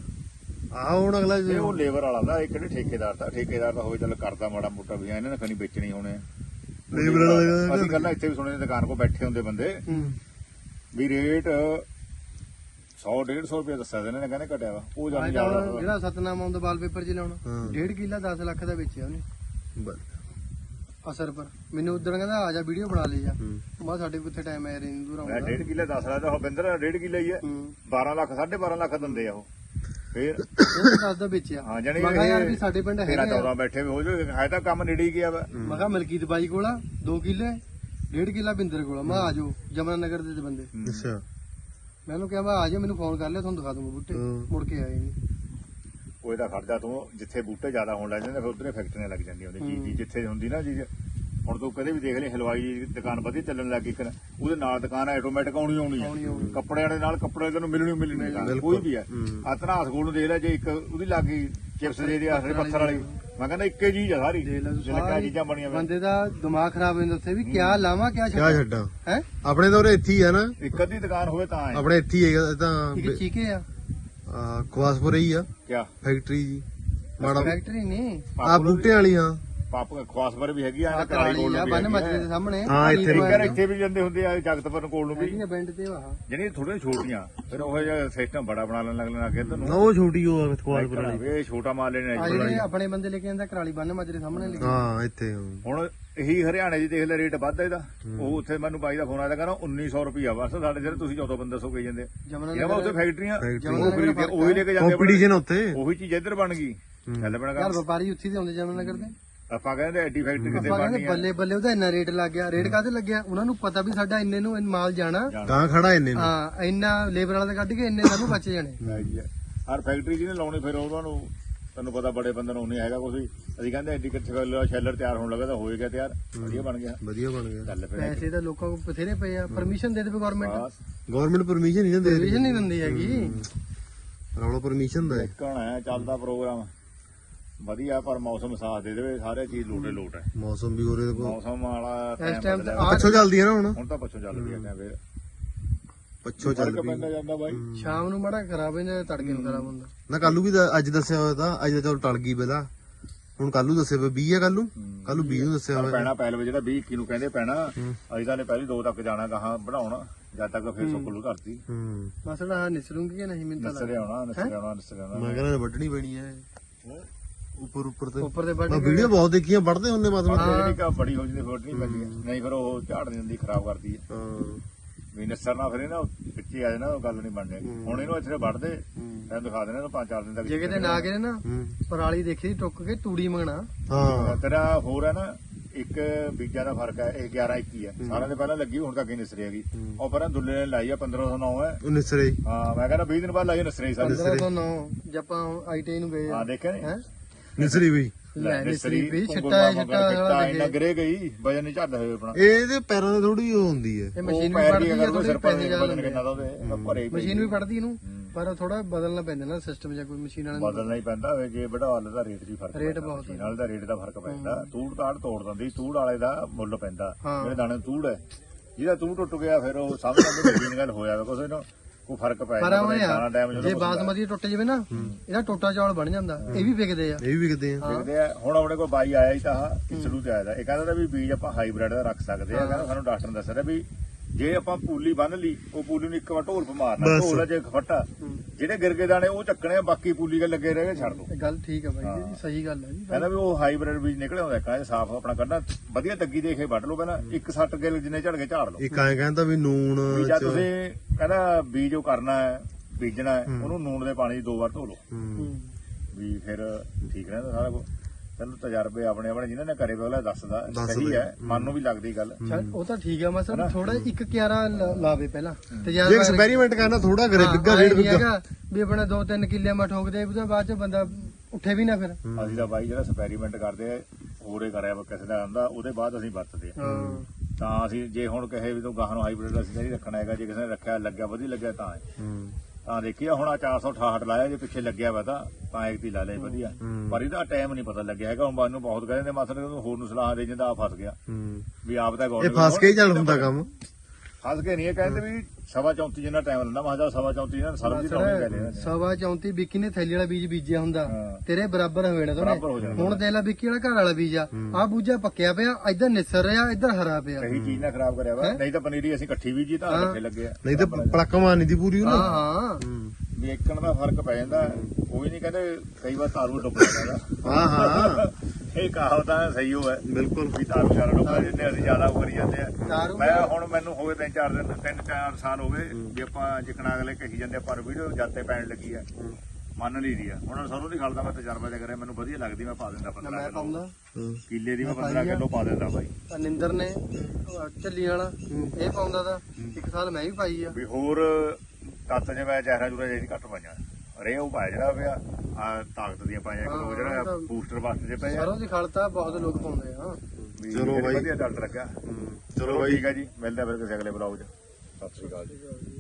Speaker 1: ਆਹ ਹੁਣ ਅਗਲਾ
Speaker 2: ਇਹ ਉਹ ਲੇਬਰ ਵਾਲਾ ਦਾ ਇੱਕ ਨੇ ਠੇਕੇਦਾਰ ਦਾ ਠੇਕੇਦਾਰ ਦਾ ਹੋਵੇ ਚੱਲ ਕਰਦਾ ਮਾੜਾ ਮੋਟਾ ਵੀ ਇਹਨਾਂ ਨੇ ਕਨੀ ਵੇਚਣੀ ਹੋਣੇ
Speaker 1: ਲੇਬਰ ਵਾਲਾ
Speaker 2: ਅਸੀਂ ਗੱਲਾਂ ਇੱਥੇ ਵੀ ਸੁਣੇ ਨੇ ਦੁਕਾਨ ਕੋ ਬੈਠੇ ਹੁੰਦੇ ਬੰਦੇ ਵੀ ਰੇਟ ਸੌ ਡੇਢ ਸੌ ਰੁਪਏ ਦੱਸਿਆ ਇਹਨਾਂ ਨੇ ਕਹਿੰਦੇ ਘਟਿਆ ਵਾ ਉਹ ਜਾਣੀ ਜ਼ਿਆਦਾ
Speaker 6: ਜਿਹੜਾ ਸਤਨਾਮ ਆਉਂਦਾ ਵਾਲਪੇਪਰ 'ਚ
Speaker 1: ਹਾਂ।
Speaker 6: ਲਾਉਣਾ ਡੇਢ ਕਿੱਲਾ ਦਸ ਲੱਖ ਦਾ ਵੇਚਿਆ ਉਹਨੇ
Speaker 1: ਬਸ।
Speaker 6: ਅਸਰ ਪਰ ਮੈਨੂੰ ਉਦੋਂ ਕਹਿੰਦਾ ਆ ਜਾ ਵੀਡੀਓ ਬਣਾ ਲਈ ਜਾ
Speaker 1: ਹੂੰ।
Speaker 6: ਮੈਂ ਸਾਡੇ ਕੋਲ ਉੱਥੇ ਟਾਈਮ ਆਇਆ ਨਹੀਂ ਦੂਰ
Speaker 2: ਮੈਂ
Speaker 6: ਆਉਂਦਾ
Speaker 2: ਡੇਢ ਕਿੱਲੇ ਦੱਸ ਰਿਹਾ ਤਾਂ ਹਵਿੰਦਰ ਡੇਢ ਕਿੱਲੇ ਹੀ ਹੈ
Speaker 6: ਹੂੰ
Speaker 2: ਬਾਰਾਂ ਲੱਖ ਸਾਢੇ ਬਾਰਾਂ ਲੱਖ ਦਿੰਦੇ ਆ ਉਹ ਫੇਰ
Speaker 6: ਉਹ ਦਸ ਦਾ ਵੇਚਿਆ
Speaker 2: ਹਾਂ ਜਾਣੀ
Speaker 6: ਮੈਂ ਕਿਹਾ ਯਾਰ ਵੀ ਸਾਡੇ ਪਿੰਡ
Speaker 2: ਤੇਰਾਂ
Speaker 6: ਹੈਗੇ ਆ
Speaker 2: ਚੌਦਾਂ ਬੈਠੇ ਵੀ ਹੋ ਜੋ ਹੈ ਤਾਂ ਕੰਮ ਨੇੜੇ ਹੀ ਗਿਆ ਵਾ
Speaker 6: ਮੈਂ ਕਿਹਾ ਮਲਕੀਤ ਬਾਈ ਕੋਲ ਆ ਦੋ ਕਿੱਲੇ ਡੇਢ ਕਿੱਲਾ ਬਿੰਦਰ ਕੋਲ ਆ। ਮੈਂ ਆ ਜਾਓ ਜਮਨਾ ਨਗਰ ਦੇ ਬੰਦੇ
Speaker 1: ਅੱਛਾ
Speaker 6: ਮੈਂ ਉਹਨੂੰ ਕਿਹਾ ਮੈਂ ਆ ਜਾ ਮੈਨੂੰ ਫੋਨ ਕਰ ਲਿਆ ਤੁਹਾਨੂੰ ਦਿਖਾ ਦੂੰਗਾ ਬੂਟੇ
Speaker 1: ਹਾਂ।
Speaker 6: ਮੁੜ ਕੇ ਆਏ ਨਹੀਂ
Speaker 2: ਉਹ ਇਹਦਾ ਖਰਚਾ ਤੂੰ ਜਿੱਥੇ ਬੂਟੇ ਜ਼ਿਆਦਾ ਹੋਣ ਲੱਗ ਜਾਂਦੇ ਫਿਰ ਉਧਰੇ ਫੈਕਟਰੀਆਂ ਲੱਗ ਜਾਂਦੀਆਂ ਉਹਦੀ ਚੀਜ਼ ਦੀ ਜਿੱਥੇ ਹੁੰਦੀ ਨਾ ਚੀਜ਼ ਹੁਣ ਤੂੰ ਕਦੇ ਵੀ ਦੇਖ ਲਈ ਹਲਵਾਈ ਦੀ ਦੁਕਾਨ ਵਧੀਆ ਚੱਲਣ ਲੱਗੀ ਇੱਕ ਉਹਦੇ ਨਾਲ ਦੁਕਾਨ ਆਟੋਮੈਟਿਕ ਆਉਣੀ ਆਉਣੀ ਹੈ ਕੱਪੜਿਆਂ ਦੇ ਨਾਲ ਕੱਪੜੇ ਤੈਨੂੰ ਮਿਲਣੀ ਮਿਲਣੀ ਦੁਕਾਨ ਕੋਈ ਵੀ ਹੈ ਆ ਧਨਾਸ ਕੋਲ ਨੂੰ ਦੇਖ ਲੈ ਜੇ ਇੱਕ ਉਹਦੀ ਲੱਗੀ ਚਿਪਸ ਦੇ ਦੇ ਆਸਰੇ ਪੱਥਰ ਵਾਲੀ ਮੈਂ ਕਹਿੰਦਾ ਇੱਕੇ ਚੀਜ਼ ਆ ਸਾਰੀ
Speaker 6: ਦੇਖ ਲੈ ਤੂੰ
Speaker 2: ਜੇ ਲੱਗਾ
Speaker 6: ਸਾਰੀ
Speaker 2: ਚੀਜ਼ਾਂ ਬਣੀਆਂ ਹੋਈਆਂ।
Speaker 6: ਬੰਦੇ ਦਾ ਦਿਮਾਗ ਖਰਾਬ ਹੋ ਜਾਂਦਾ ਉੱਥੇ ਵੀ ਕਿਆ ਲਾਵਾਂ ਕਿਆ
Speaker 1: ਕਿਆ
Speaker 6: ਛੱਡਾਂ
Speaker 1: ਛੱਡਾਂ
Speaker 6: ਹੈ
Speaker 1: ਆਪਣੇ ਤਾਂ ਉਰੇ ਇੱਥੇ ਹੀ ਆ ਨਾ
Speaker 2: ਇੱਕ ਅੱਧੀ ਦੁਕਾਨ ਹੋਵੇ ਤਾਂ ਹੈ
Speaker 1: ਆਪਣੇ ਇੱਥੇ ਹੀ ਹੈਗਾ ਇਹ ਤਾਂ
Speaker 6: ਇੱਕ ਚੀਕੇ ਆ
Speaker 1: ਆ, ਖਵਾਸਪੁਰੇ ਹੀ ਆ
Speaker 2: ਕਿਆ
Speaker 1: ਫੈਕਟਰੀ ਜੀ ਮਾੜਾ
Speaker 6: ਫੈਕਟਰੀ ਨਹੀਂ
Speaker 1: ਆ ਬੂਟੇ ਵਾਲੀ ਹਾਂ
Speaker 2: ਪਾਪ ਖਵਾਸਪਰ ਵੀ ਹੈਗੀ ਆ
Speaker 6: ਆ
Speaker 2: ਕਰਾਲੀ
Speaker 6: ਕਰਾਲੀ
Speaker 2: ਕੋਲ
Speaker 6: ਆ
Speaker 2: ਨੂੰ ਵੀ
Speaker 6: ਬੰਨ
Speaker 2: ਹੈਗੀ
Speaker 6: ਮੱਜਰੇ ਦੇ ਸਾਹਮਣੇ
Speaker 1: ਹਾਂ, ਇੱਥੇ ਵੀ
Speaker 2: ਯਾਰ ਇੱਥੇ ਵੀ ਜਾਂਦੇ ਹੁੰਦੇ ਆ ਜਗਤਪੁਰ ਕੋਲ ਨੂੰ ਵੀ
Speaker 6: ਹੈਗੀਆਂ ਪਿੰਡ ਤੇ ਆਹ
Speaker 2: ਜਿਹੜੀਆਂ ਥੋੜੀਆਂ ਛੋਟੀਆਂ ਫਿਰ ਉਹ ਜਿਹਾ ਸਿਸਟਮ ਬੜਾ ਬਣਾ ਲੈਣ ਲੱਗ ਲੈਣਾ ਅੱਗੇ
Speaker 1: ਨਾ
Speaker 2: ਤੈਨੂੰ
Speaker 1: ਉਹ ਛੋਟੀ ਉਹ ਆ ਖਵਾਸਪੁਰ ਵਾਲੀ
Speaker 2: ਇਹ ਛੋਟਾ ਮਾਲ ਲੈਣੇ
Speaker 6: ਆ ਜਿਹੜੇ ਆਪਣੇ ਬੰਦੇ ਲੈ ਕੇ ਜਾਂਦਾ ਕਰਾਲੀ ਬੰਨ ਮੱਜਰੇ ਸਾਹਮਣੇ ਲੈ ਕੇ
Speaker 1: ਹਾਂ ਇੱਥੇ ਹਾਂ।
Speaker 2: ਹੁਣ ਇਹੀ ਹਰਿਆਣੇ ਦੀ ਦੇਖ ਲੈ ਰੇਟ ਵੱਧਦਾ ਇਹਦਾ ਉਹ ਉੱਥੇ ਮੈਨੂੰ ਬਾਈ ਦਾ ਫੋਨ ਆਇਆ ਕਹਿੰਦਾ ਉੱਨੀ ਸੌ ਰੁਪਿਆ ਬਸ ਸਾਡੇ ਜਿਹੜੇ ਤੁਸੀਂ ਚੌਦਾਂ ਪੰਦਰਾਂ ਸੌ ਕਹੀ ਜਾਂਦੇ
Speaker 6: ਜਮਨਾ
Speaker 2: ਇਹ ਵਾ ਉੱਥੇ ਫੈਕਟਰੀਆਂ
Speaker 1: ਫੈਕਟਰੀ।
Speaker 2: ਉਹ ਖਰੀਦ ਕੇ ਉਹੀ ਲੈ ਕੇ ਜਾਂਦੇ ਆ
Speaker 1: ਕੰਪੀਟੀਸ਼ਨ ਉੱਥੇ
Speaker 2: ਉਹੀ ਚੀਜ਼ ਇੱਧਰ ਬਣ ਗਈ ਚੱਲ ਪੈਣਾ
Speaker 6: ਯਾਰ
Speaker 2: ਕੰਮ
Speaker 6: ਵਪਾਰੀ ਉੱਥੇ ਦੇ ਆਉਂਦੇ ਜਮਨਾ ਨਗਰ ਦੇ
Speaker 2: ਆਪਾਂ ਕਹਿੰਦੇ ਐਡੀ ਫੈਕਟਰੀ ਕਿਤੇ
Speaker 6: ਆਪਾਂ
Speaker 2: ਬਣਨੀ
Speaker 6: ਕਹਿੰਦੇ
Speaker 2: ਆ
Speaker 6: ਬੱਲੇ ਬੱਲੇ ਉਹਦਾ ਇੰਨਾ ਰੇਟ ਲੱਗ ਗਿਆ ਰੇਟ ਕਾਹਦੇ ਲੱਗਿਆ ਉਹਨਾਂ ਨੂੰ ਪਤਾ ਵੀ ਸਾਡਾ ਇੰਨੇ ਨੂੰ ਇੰਨ ਮਾਲ ਜਾਣਾ
Speaker 1: ਤਾਂ ਖੜਾ ਇੰਨੇ ਨੂੰ
Speaker 6: ਹਾਂ ਇੰਨਾ ਲੇਬਰ ਵਾਲਾ ਤਾਂ ਕੱਢ ਕੇ ਇੰਨੇ ਸਾਨੂੰ ਬਚ ਜਾਣੇ
Speaker 2: ਹੈਗੀ ਆ ਹਰ ਫੈਕਟਰੀ ਜਿਹਨੇ ਲਾਉਣੀ ਫਿਰ ਉਹਨਾਂ ਨੂੰ ਤੈਨੂੰ ਪਤਾ ਬੜੇ ਬੰਦੇ ਨੂੰ ਨਹੀਂ ਹੈਗਾ ਕੁਝ ਵੀ ਅਸੀਂ ਕਹਿੰਦੇ ਐਡੀ ਕਿੱਥੇ ਗੱਲ ਸ਼ੈਲਰ ਤਿਆਰ ਹੋਣ ਲੱਗਾ ਤਾਂ ਹੋਏ ਗਿਆ ਤਿਆਰ ਵਧੀਆ ਬਣ ਗਿਆ
Speaker 1: ਵਧੀਆ ਬਣ ਗਿਆ
Speaker 2: ਚੱਲ ਫਿਰ
Speaker 6: ਪੈਸੇ ਤਾਂ ਲੋਕਾਂ ਕੋਲ ਬਥੇਰੇ ਪਏ ਆ ਪਰਮਿਸ਼ਨ ਦੇ ਦੇਵੇ ਗਵਰਨਮੈਂਟ
Speaker 2: ਬਸ
Speaker 1: ਗਵਰਨਮੈਂਟ ਪਰਮਿਸ਼ਨ ਨਹੀਂ ਦਿੰਦੇ
Speaker 6: ਪਰਮਿਸ਼ਨ ਨਹੀਂ ਦਿੰਦੀ ਹੈਗੀ
Speaker 1: ਰੌਲਾ ਪਰਮਿਸ਼ਨ ਦਾ ਹੈ।
Speaker 2: ਇੱਕ ਹੁਣ ਹੈ ਚੱਲਦਾ ਪ੍ਰੋਗਰਾਮ ਵਧੀਆ ਪਰ ਮੌਸਮ ਸਾਥ ਦੇ ਦੇਵੇ ਸਾਰੇ ਚੀਜ਼ ਲੋਟੇ ਲੋਟ ਹੈ
Speaker 1: ਮੌਸਮ ਵੀ ਹੋਰੇ ਦੇਖੋ
Speaker 2: ਮੌਸਮ ਵਾਲਾ
Speaker 6: ਇਸ
Speaker 2: ਟਾਈਮ
Speaker 6: ਟਾਈਮ
Speaker 2: ਬਦਲਿਆ।
Speaker 6: ਤਾਂ
Speaker 1: ਪੱਛੋ ਚੱਲਦੀ ਹੈ ਨਾ ਹੁਣ
Speaker 2: ਹੁਣ ਤਾਂ ਪੱਛੋਂ ਚੱਲ ਪਿਆ ਫਿਰ
Speaker 1: ਪੱਛੋ ਚੱਲ
Speaker 2: ਫਰਕ
Speaker 1: ਪਈ
Speaker 2: ਪੈਂਦਾ ਜਾਂਦਾ ਬਾਈ
Speaker 6: ਸ਼ਾਮ ਨੂੰ ਮਾੜਾ ਖਰਾਬ ਹੋ ਜਾਂਦਾ ਤੜਕੇ ਨੂੰ ਖਰਾਬ ਹੁੰਦਾ
Speaker 1: ਨਾ ਕੱਲੂ ਵੀ ਤਾਂ ਅੱਜ ਦੱਸਿਆ ਹੋਇਆ ਤਾਂ ਅੱਜ ਤਾਂ ਚਲ ਟਲ ਗਈ ਪਹਿਲਾਂ ਹੁਣ ਕੱਲੂ ਦੱਸਿਆ ਹੋਇਆ ਵੀਹ ਆ ਕੱਲੂ ਕੱਲੂ ਵੀਹ ਨੂੰ ਦੱਸਿਆ ਹੋਇਆ
Speaker 2: ਪੈਣਾ ਪਹਿਲ ਜਿਹੜਾ ਵੀਹ ਇੱਕੀ ਨੂੰ ਕਹਿੰਦੇ ਪੈਣਾ ਅਸੀਂ ਤਾਂ ਨੇ ਪਹਿਲੀ ਦੋ ਤੱਕ ਜਾਣਾ ਗਾਹਾਂ ਬਣਾਉਣ ਜਦ ਤੱਕ ਫਿਰ ਸੁੱਕਲੂ ਧਰਤੀ
Speaker 1: ਹੂੰ
Speaker 6: ਮਸਲਾ ਹਾਂ ਨਿਸਰੂੰਗੀ ਕਿ ਨਹੀਂ ਮਿੰਤਾ
Speaker 2: ਨਸਰੇ ਆਉਣਾ ਨਸਰੇ ਆਉਣਾ ਨਸਰੇ ਆਉਣਾ
Speaker 1: ਮੈਂ ਕਹਿੰਦਾ ਵੱਢਣੀ ਪੈਣੀ ਹੈ ਉੱਪਰ ਉੱਪਰ ਤੇ
Speaker 6: ਉੱਪਰ ਦੇ ਵੱਢ
Speaker 1: ਮੈਂ ਵੀਡੀਓ ਬਹੁਤ ਦੇਖੀਆਂ ਵੱਢਦੇ ਹੁੰਦੇ ਮਤਲਬ
Speaker 2: ਜਿਹੜੀ ਕਾ ਬੜੀ ਹੋ ਜਾਂਦੀ ਫੋਟ ਨਹੀਂ ਪੈਂਦੀ ਹੈ। ਨਹੀਂ ਫਿਰ ਉਹ ਝਾੜ ਨਹੀਂ ਦਿੰਦੀ ਖਰਾਬ ਕਰਦੀ ਹੈ
Speaker 1: ਹਾਂ
Speaker 2: ਵੀ ਨਸਰ ਨਾ ਫਿਰ ਇਹ ਨਾ ਪਿੱਛੇ ਆ ਜਾਣਾ ਉਹ ਗੱਲ ਨਹੀਂ ਬਣਨੀ ਹੁਣ ਇਹਨੂੰ ਇੱਥੇ ਵੱਢਦੇ ਤੈਨੂੰ ਦਿਖਾ ਦੇਣਾ ਇਹਨੂੰ ਪੰਜ ਚਾਰ ਦਿਨ ਤੱਕ
Speaker 6: ਜੇ ਕਿਤੇ ਨਾ ਗਏ ਨਾ
Speaker 1: ਹੂੰ
Speaker 6: ਪਰਾਲੀ ਦੇਖੀ ਟੁੱਕ ਕੇ ਤੂੜੀ ਮੰਗਣਾ
Speaker 1: ਹਾਂ
Speaker 2: ਤੇਰਾ ਹੋਰ ਹੈ ਨਾ ਇੱਕ ਬੀਜਾਂ ਦਾ ਫਰਕ ਹੈ ਇਹ ਗਿਆਰਾਂ ਇੱਕੀ ਹੈ ਸਾਰਿਆਂ ਦੇ ਪਹਿਲਾਂ ਲੱਗੀ ਹੁਣ ਤੱਕ ਹੀ ਨਿਸਰੀ ਹੈਗੀ ਉਹ ਪਹਿਲਾਂ ਦੁੱਲੇ ਨੇ ਲਾਈ ਆ ਪੰਦਰਾਂ ਸੌ ਨੌ ਹੈ
Speaker 1: ਉਹ ਨਿਸਰੇ
Speaker 2: ਹਾਂ ਮੈਂ ਕਹਿੰਦਾ ਵੀਹ ਦਿਨ ਬਾਅਦ ਲਾਈ ਨਿਸਰੀ ਸਾਰੀ
Speaker 6: ਪੰਦਰਾਂ ਸੌ ਨੌ ਜੇ ਆਪਾਂ ਆਈਟੀ ਨੂੰ ਗਏ
Speaker 2: ਹਾਂ ਦੇਖਿਆ ਨੀ
Speaker 6: ਹੈ
Speaker 1: ਨਿਸਰੀ ਵੀ
Speaker 6: ਲੈ ਨਿਸਰੀ ਵੀ
Speaker 2: ਘੁੰਗੂ
Speaker 6: ਛਿੱਟਾ
Speaker 2: ਮਾਮਾ
Speaker 6: ਛਿੱਟਾ
Speaker 2: ਕਰਕੇ
Speaker 6: ਵਾਲਾ
Speaker 2: ਇੰਨਾ ਗਰੇ ਗਈ ਵਜਨ ਨਹੀਂ ਝੱਡ ਹੋਏ ਆਪਣਾ
Speaker 1: ਇਹਦੇ ਪੈਰਾਂ ਦੇ ਥੋੜੀ ਉਹ ਹੁੰਦੀ ਹੈ
Speaker 6: ਇਹ
Speaker 2: ਉਹ
Speaker 6: ਮਸ਼ੀਨ ਵੀ
Speaker 2: ਪੈਰ
Speaker 6: ਪੜਦੀ
Speaker 2: ਦੀ
Speaker 6: ਹੈ
Speaker 2: ਅਗਰ
Speaker 6: ਥੋੜੇ
Speaker 2: ਸਿਰ
Speaker 6: ਪੈਸੇ
Speaker 2: ਪਰ
Speaker 6: ਜ਼ਿਆਦਾ
Speaker 2: ਵਜਨ
Speaker 6: ਲੈਂਦੇ
Speaker 2: ਕਿੰਨਾ ਦਾ ਉਹਦੇ ਭਰੇ ਹੀ
Speaker 6: ਮਸ਼ੀਨ ਵੀ ਪੜਦੀ ਇਹਨੂੰ ਪਰ ਥੋੜਾ ਬਦਲਣਾ ਪੈਂਦਾ ਨਾ ਸਿਸਟਮ ਜਾਂ ਕੋਈ ਮਸ਼ੀਨ ਵਾਲਾ
Speaker 2: ਬਦਲਣਾ ਹੀ ਪੈਂਦਾ ਹੋਵੇ ਜੇ ਵਧਾ ਦਾ ਰੇਟ ਵੀ ਫਰਕ
Speaker 6: ਰੇਟ
Speaker 2: ਪੈਂਦਾ
Speaker 6: ਬਹੁਤ
Speaker 2: ਮਸ਼ੀਨ ਵਾਲੇ ਦਾ ਰੇਟ ਦਾ ਫਰਕ ਪੈਂਦਾ ਤੂੜ ਤਾੜ ਤੋੜ ਦਿੰਦੀ ਤੂੜ ਵਾਲੇ ਦਾ ਮੁੱਲ ਪੈਂਦਾ
Speaker 6: ਹਾਂ।
Speaker 2: ਜਿਹੜੇ ਦਾਣੇ ਤੂੜ ਹੈ ਜਿਹਦਾ ਤੂੜ ਟੁੱਟ ਗਿਆ ਫਿਰ ਉਹ ਸਮਝ ਆਉਂਦੇ ਮਸ਼ੀਨ ਗੱਲ ਹੋਇਆ ਕੁਛ ਇਹਨੂੰ ਕੋਈ ਫਰਕ ਪੈ
Speaker 6: ਪਰ
Speaker 2: ਜਾਂਦਾ
Speaker 6: ਉਹ
Speaker 2: ਸਾਰਾ ਟਾਈਮ
Speaker 6: ਯਾਰ ਜੇ ਬਾਸਮਤੀ ਟੁੱਟ ਜਾਵੇ ਨਾ ਇਹਦਾ ਟੋਟਾ ਚੌਲ ਬਣ ਜਾਂਦਾ ਇਹ ਵੀ ਵਿਕਦੇ ਆ
Speaker 1: ਇਹ ਵੀ ਵਿਕਦੇ ਆ
Speaker 2: ਦੇਖਦੇ ਆ ਹੁਣ ਆਪਣੇ ਕੋਲ ਬਾਈ ਆਇਆ ਹੀ ਤਾਂ ਕਿਸੜੂ ਤੇ ਆਇਆ ਦਾ ਇਹ ਕਹਿੰਦਾ ਵੀ ਬੀਜ ਆਪਾਂ ਹਾਈਬ੍ਰਿਡ ਦਾ ਰੱਖ ਸਕਦੇ ਆ ਕਹਿੰਦਾ ਸਾਨੂੰ ਡਾਕਟਰ ਨੇ ਦੱਸਿਆ ਵੀ ਜੇ ਆਪਾਂ ਪੂਲੀ ਬੰਨ ਲਈ ਉਹ ਪੂਲੀ ਨੂੰ ਇੱਕ ਵਾਰ ਢੋਲ ਪਾ ਮਾਰਨਾ
Speaker 1: ਬਸ।
Speaker 2: ਢੋਲ ਜੇ ਖਫੱਟਾ ਜਿਹੜੇ ਗਿਰਗੇ ਦਾਣੇ ਉਹ ਚੱਕਣੇ ਆ, ਬਾਕੀ ਪੂਲੀ ਕੇ ਲੱਗੇ ਰਹੇ ਛੱਡ ਦੋ।
Speaker 6: ਇਹ ਗੱਲ ਠੀਕ ਹੈ ਬਾਈ ਜੀ, ਸਹੀ ਗੱਲ ਹੈ ਜੀ।
Speaker 2: ਕਹਿੰਦਾ ਵੀ ਉਹ ਹਾਈਬ੍ਰਿਡ ਬੀਜ ਨਿਕਲੇ ਆਉਂਦਾ ਕਹਿੰਦਾ ਸਾਫ਼ ਆਪਣਾ ਕੱਢਣਾ ਵਧੀਆ ਤੱਗੀ ਦੇਖੇ ਵੱਢ ਲਓ ਪਹਿਲਾਂ ਇੱਕ ਸੱਟ ਗਿੱਲ ਜਿੰਨੇ ਝੜ ਕੇ ਝਾੜ ਲਓ।
Speaker 1: ਇੱਕ ਐਂ ਕਹਿੰਦਾ ਵੀ ਨੂਣ
Speaker 2: ਵੀ ਜਦ
Speaker 1: ਚ
Speaker 2: ਤੁਸੀਂ ਕਹਿੰਦਾ ਬੀਜ ਉਹ ਕਰਨਾ ਹੈ ਬੀਜਣਾ ਹੈ ਉਹਨੂੰ ਨੂਣ ਦੇ ਪਾਣੀ 'ਚ ਦੋ ਵਾਰ ਧੋ ਲਓ
Speaker 1: ਹੂੰ।
Speaker 2: ਵੀ ਫਿਰ ਠੀਕ ਰਹਿੰਦਾ ਸਾਰਾ ਕੁਝ। ਤੈਨੂੰ ਤਜਰਬੇ ਆਪਣੇ ਆਪਣੇ ਜਿਨ੍ਹਾਂ ਨੇ ਕਰੇ ਪਹਿਲਾਂ ਦੱਸਦਾ
Speaker 1: ਦੱਸਦਾ।
Speaker 2: ਸਹੀ ਹੈ ਮਨ ਨੂੰ ਵੀ ਲੱਗਦੀ ਗੱਲ।
Speaker 6: ਚੱਲ ਉਹ ਤਾਂ ਠੀਕ ਹੈ ਮਸਲ ਥੋੜਾ ਇੱਕ ਕਿਆਰਾ ਲਾ- ਲਾਵੇ ਪਹਿਲਾਂ
Speaker 1: ਜੇ
Speaker 6: ਤਜਰਬਾ
Speaker 1: ਐਕਸਪੈਰੀਮੈਂਟ ਕਰਨਾ ਥੋੜਾ ਕਰੇ
Speaker 6: ਹਾਂ,
Speaker 1: ਬਿੱਗਾ
Speaker 6: ਆਏਂ
Speaker 1: ਡੇਢ
Speaker 6: ਨਹੀਂ
Speaker 1: ਬਿੱਗਾ
Speaker 6: ਹੈਗਾ ਵੀ ਆਪਣਾ ਦੋ ਤਿੰਨ ਕਿੱਲੇ ਮਾ ਠੋਕ ਦੇ ਉਹਦੇ ਬਾਅਦ ਚ ਬੰਦਾ ਉੱਠੇ ਵੀ ਨਾ ਫਿਰ।
Speaker 2: ਅਸੀਂ ਤਾਂ ਬਾਈ ਜਿਹੜਾ ਐਕਸਪੈਰੀਮੈਂਟ ਕਰਦੇ ਆ ਹੋਰੇ ਕਰਿਆ ਵਾ ਕਿਸੇ ਦਾ ਹੁੰਦਾ ਉਹਦੇ ਬਾਅਦ ਅਸੀਂ ਵਰਤਦੇ ਆ।
Speaker 6: ਹਾਂ
Speaker 2: ਤਾਂ ਅਸੀਂ ਜੇ ਹੁਣ ਕਹੇ ਵੀ ਤੂੰ ਗਾਹ ਨੂੰ ਹਾਈਬ੍ਰਿਡ ਅਸੀਂ ਨਹੀਂ ਰੱਖਣਾ ਹੈਗਾ, ਜੇ ਕਿਸੇ ਨੇ ਰੱਖਿਆ ਲੱਗਿਆ ਵਧੀਆ ਲੱਗਿਆ ਤਾਂ ਹੈ।
Speaker 1: ਹੂੰ।
Speaker 2: ਤਾਂ ਦੇਖਿਆ ਹੁਣ ਆ ਚਾਰ ਸੌ ਅਠਾਹਠ ਲਾਇਆ ਜੇ ਪਿੱਛੇ ਲੱਗਿਆ ਵਾ ਤਾਂ ਤਾਂ ਇੱਕ ਦੀ ਲਾ ਲਿਆ ਵਧੀਆ। ਪਰ ਇਹਦਾ ਟਾਈਮ ਨਹੀਂ ਪਤਾ ਲੱਗਿਆ ਹੈਗਾ। ਹੁਣ ਮੈਨੂੰ ਬਹੁਤ ਕਹਿੰਦੇ ਮਾਸਟਰ ਨੂੰ ਹੋਰ ਨੂੰ ਸਲਾਹ ਦੇ ਜਿੰਦਾ ਆ ਫਸ ਗਿਆ
Speaker 1: ਹੂੰ।
Speaker 2: ਵੀ ਆਪ ਦਾ ਗੌਰ
Speaker 1: ਇਹ ਫਸ ਕੇ ਹੀ ਚੱਲ ਹੁੰਦਾ ਕੰਮ।
Speaker 2: ਫਸ ਕੇ ਨਹੀਂ ਇਹ ਕਹਿੰਦੇ ਵੀ ਸਵਾ ਚੌਂਤੀ ਜਿੰਨਾ ਟਾਈਮ ਲੈਂਦਾ ਮੈਂ ਕਿਹਾ ਸਵਾ ਚੌਂਤੀ ਨਾਲ ਸਰਬਜੀਤ ਆਉਣੀ ਕਹਿੰਦੇ ਨੇ।
Speaker 6: ਸਵਾ ਚੌਂਤੀ ਵਿੱਕੀ ਨੇ ਥੈਲੀ ਵਾਲਾ ਬੀਜ ਬੀਜਿਆ ਹੁੰਦਾ
Speaker 2: ਹਾਂ।
Speaker 6: ਤੇਰੇ ਬਰਾਬਰ ਹੋ ਜਾਣਾ
Speaker 2: ਬਰਾਬਰ ਹੋ
Speaker 6: ਦੋਨੇ।
Speaker 2: ਜਾਣਾ।
Speaker 6: ਹੁਣ ਦੇਖ ਲੈ ਵਿੱਕੀ ਵਾਲਾ ਘਰ ਵਾਲਾ ਬੀਜ ਆ ਆ ਬੂਝਾ ਪੱਕਿਆ ਪਿਆ, ਇੱਧਰ ਨਿਸਰ ਰਿਹਾ, ਇੱਧਰ ਹਰਾ ਪਿਆ।
Speaker 2: ਕਹੀ ਚੀਜ਼ ਨਾ ਖਰਾਬ ਕਰਿਆ ਵਾ ਨਹੀਂ ਤਾਂ ਪਨੀਰੀ ਅਸੀਂ ਇਕੱਠੀ ਬੀਜੀ ਤਾਂ ਇਕੱਠੇ ਲੱਗੇ ਆ।
Speaker 1: ਨਹੀਂ ਤਾਂ ਪਲਕ ਮਾਰਨੀ ਦੀ ਪੂਰੀ
Speaker 6: ਹਾਂ
Speaker 1: ਉਹਨੂੰ।
Speaker 6: ਹਾਂ
Speaker 1: ਹੂੰ।
Speaker 2: ਵੀ ਇੱਕਣ ਦਾ ਫਰਕ ਪੈ ਜਾਂਦਾ ਕੋਈ ਨਹੀਂ ਕਹਿੰਦੇ ਕਈ ਵਾਰ ਤਾਰੂ ਡੁੱਬ ਜਾਂਦਾ।
Speaker 1: ਹਾਂ ਹਾਂ
Speaker 2: ਇਹ ਕਹਾਵਤ ਹੈ ਸਹੀ ਹੋ ਹੈ
Speaker 1: ਬਿਲਕੁਲ।
Speaker 2: ਵੀ ਤਾਰੂ ਚਾਰ ਡੁੱਬ ਜਿੰਨੇ ਅਸੀਂ ਜ਼ਿਆਦਾ ਉਹ ਕਰੀ ਜਾਂਦੇ ਆ।
Speaker 6: ਤਾਰੂ
Speaker 2: ਮੈਂ ਹੁਣ ਮੈਨੂੰ ਹੋਵੇ ਤਿੰਨ ਚਾਰ ਦਿਨ ਤਿੰਨ ਚਾਰ ਸਾਲ ਹੋ ਗਏ ਵੀ ਆਪਾਂ ਜਿਕਣਾ ਅਗਲੇ ਕਹੀ ਜਾਂਦੇ ਪਰ ਵੀਡੀਓ ਜਾਤੇ ਪੈਣ ਲੱਗੀ ਆ ਮੰਨ ਲਈ ਦੀ ਆ। ਹੁਣ ਸਰੋਂ ਦੀ ਖਲਦਾ ਮੈਂ ਤਜਰਬਾ ਤੇ ਕਰਿਆ ਮੈਨੂੰ ਵਧੀਆ ਲੱਗਦੀ ਮੈਂ ਪਾ ਦਿੰਦਾ ਪੰਦਰਾਂ
Speaker 6: ਮੈਂ
Speaker 2: ਕਿਲੋ
Speaker 6: ਪਾਉਂਦਾ
Speaker 2: ਕਿੱਲੇ ਦੀ ਮੈਂ ਪੰਦਰਾਂ ਕਿਲੋ ਪਾ ਦਿੰਦਾ ਬਾਈ।
Speaker 6: ਨਿੰਦਰ ਨੇ ਝੱਲੀ ਵਾਲਾ ਇਹ ਪਾਉਂਦਾ ਤਾਂ ਇੱਕ ਸਾਲ ਮੈਂ ਵੀ ਪਾਈ ਆ।
Speaker 2: ਵੀ ਹੋਰ ਤੱਤ ਜਿਵੇਂ ਜ਼ਹਿਰਾਂ ਜੁਰਾ ਜਿਹੜੀ ਘੱਟ ਪਾਈਆਂ ਰੇ ਉਹ ਪਾਇਆ ਜਿਹੜਾ ਪਿਆ ਆ ਤਾਕਤ ਦੀਆਂ ਪਾਈਆਂ ਇੱਕ ਦੋ ਜਿਹੜਾ ਬੂਸਟਰ ਵਾਸਤੇ ਜੇ ਪਏ ਆ।
Speaker 6: ਸਰੋਂ ਦੀ ਖਲਤਾ ਬਹੁਤ ਲੋਕ ਪਾਉਂਦੇ ਆ।
Speaker 2: ਵੀ
Speaker 1: ਚਲੋ ਬਾਈ।
Speaker 2: ਵਧੀਆ ਰਿਜ਼ਲਟ ਲੱਗਾ।
Speaker 1: ਹੂੰ।
Speaker 2: ਚਲੋ ਠੀਕ ਆ ਜੀ ਮਿਲਦੇ ਆ ਫਿਰ ਕਿਸੇ ਅਗਲੇ ਬਲੌਗ 'ਚ। ਸਤਿ ਸ਼੍ਰੀ ਅਕਾਲ ਜੀ।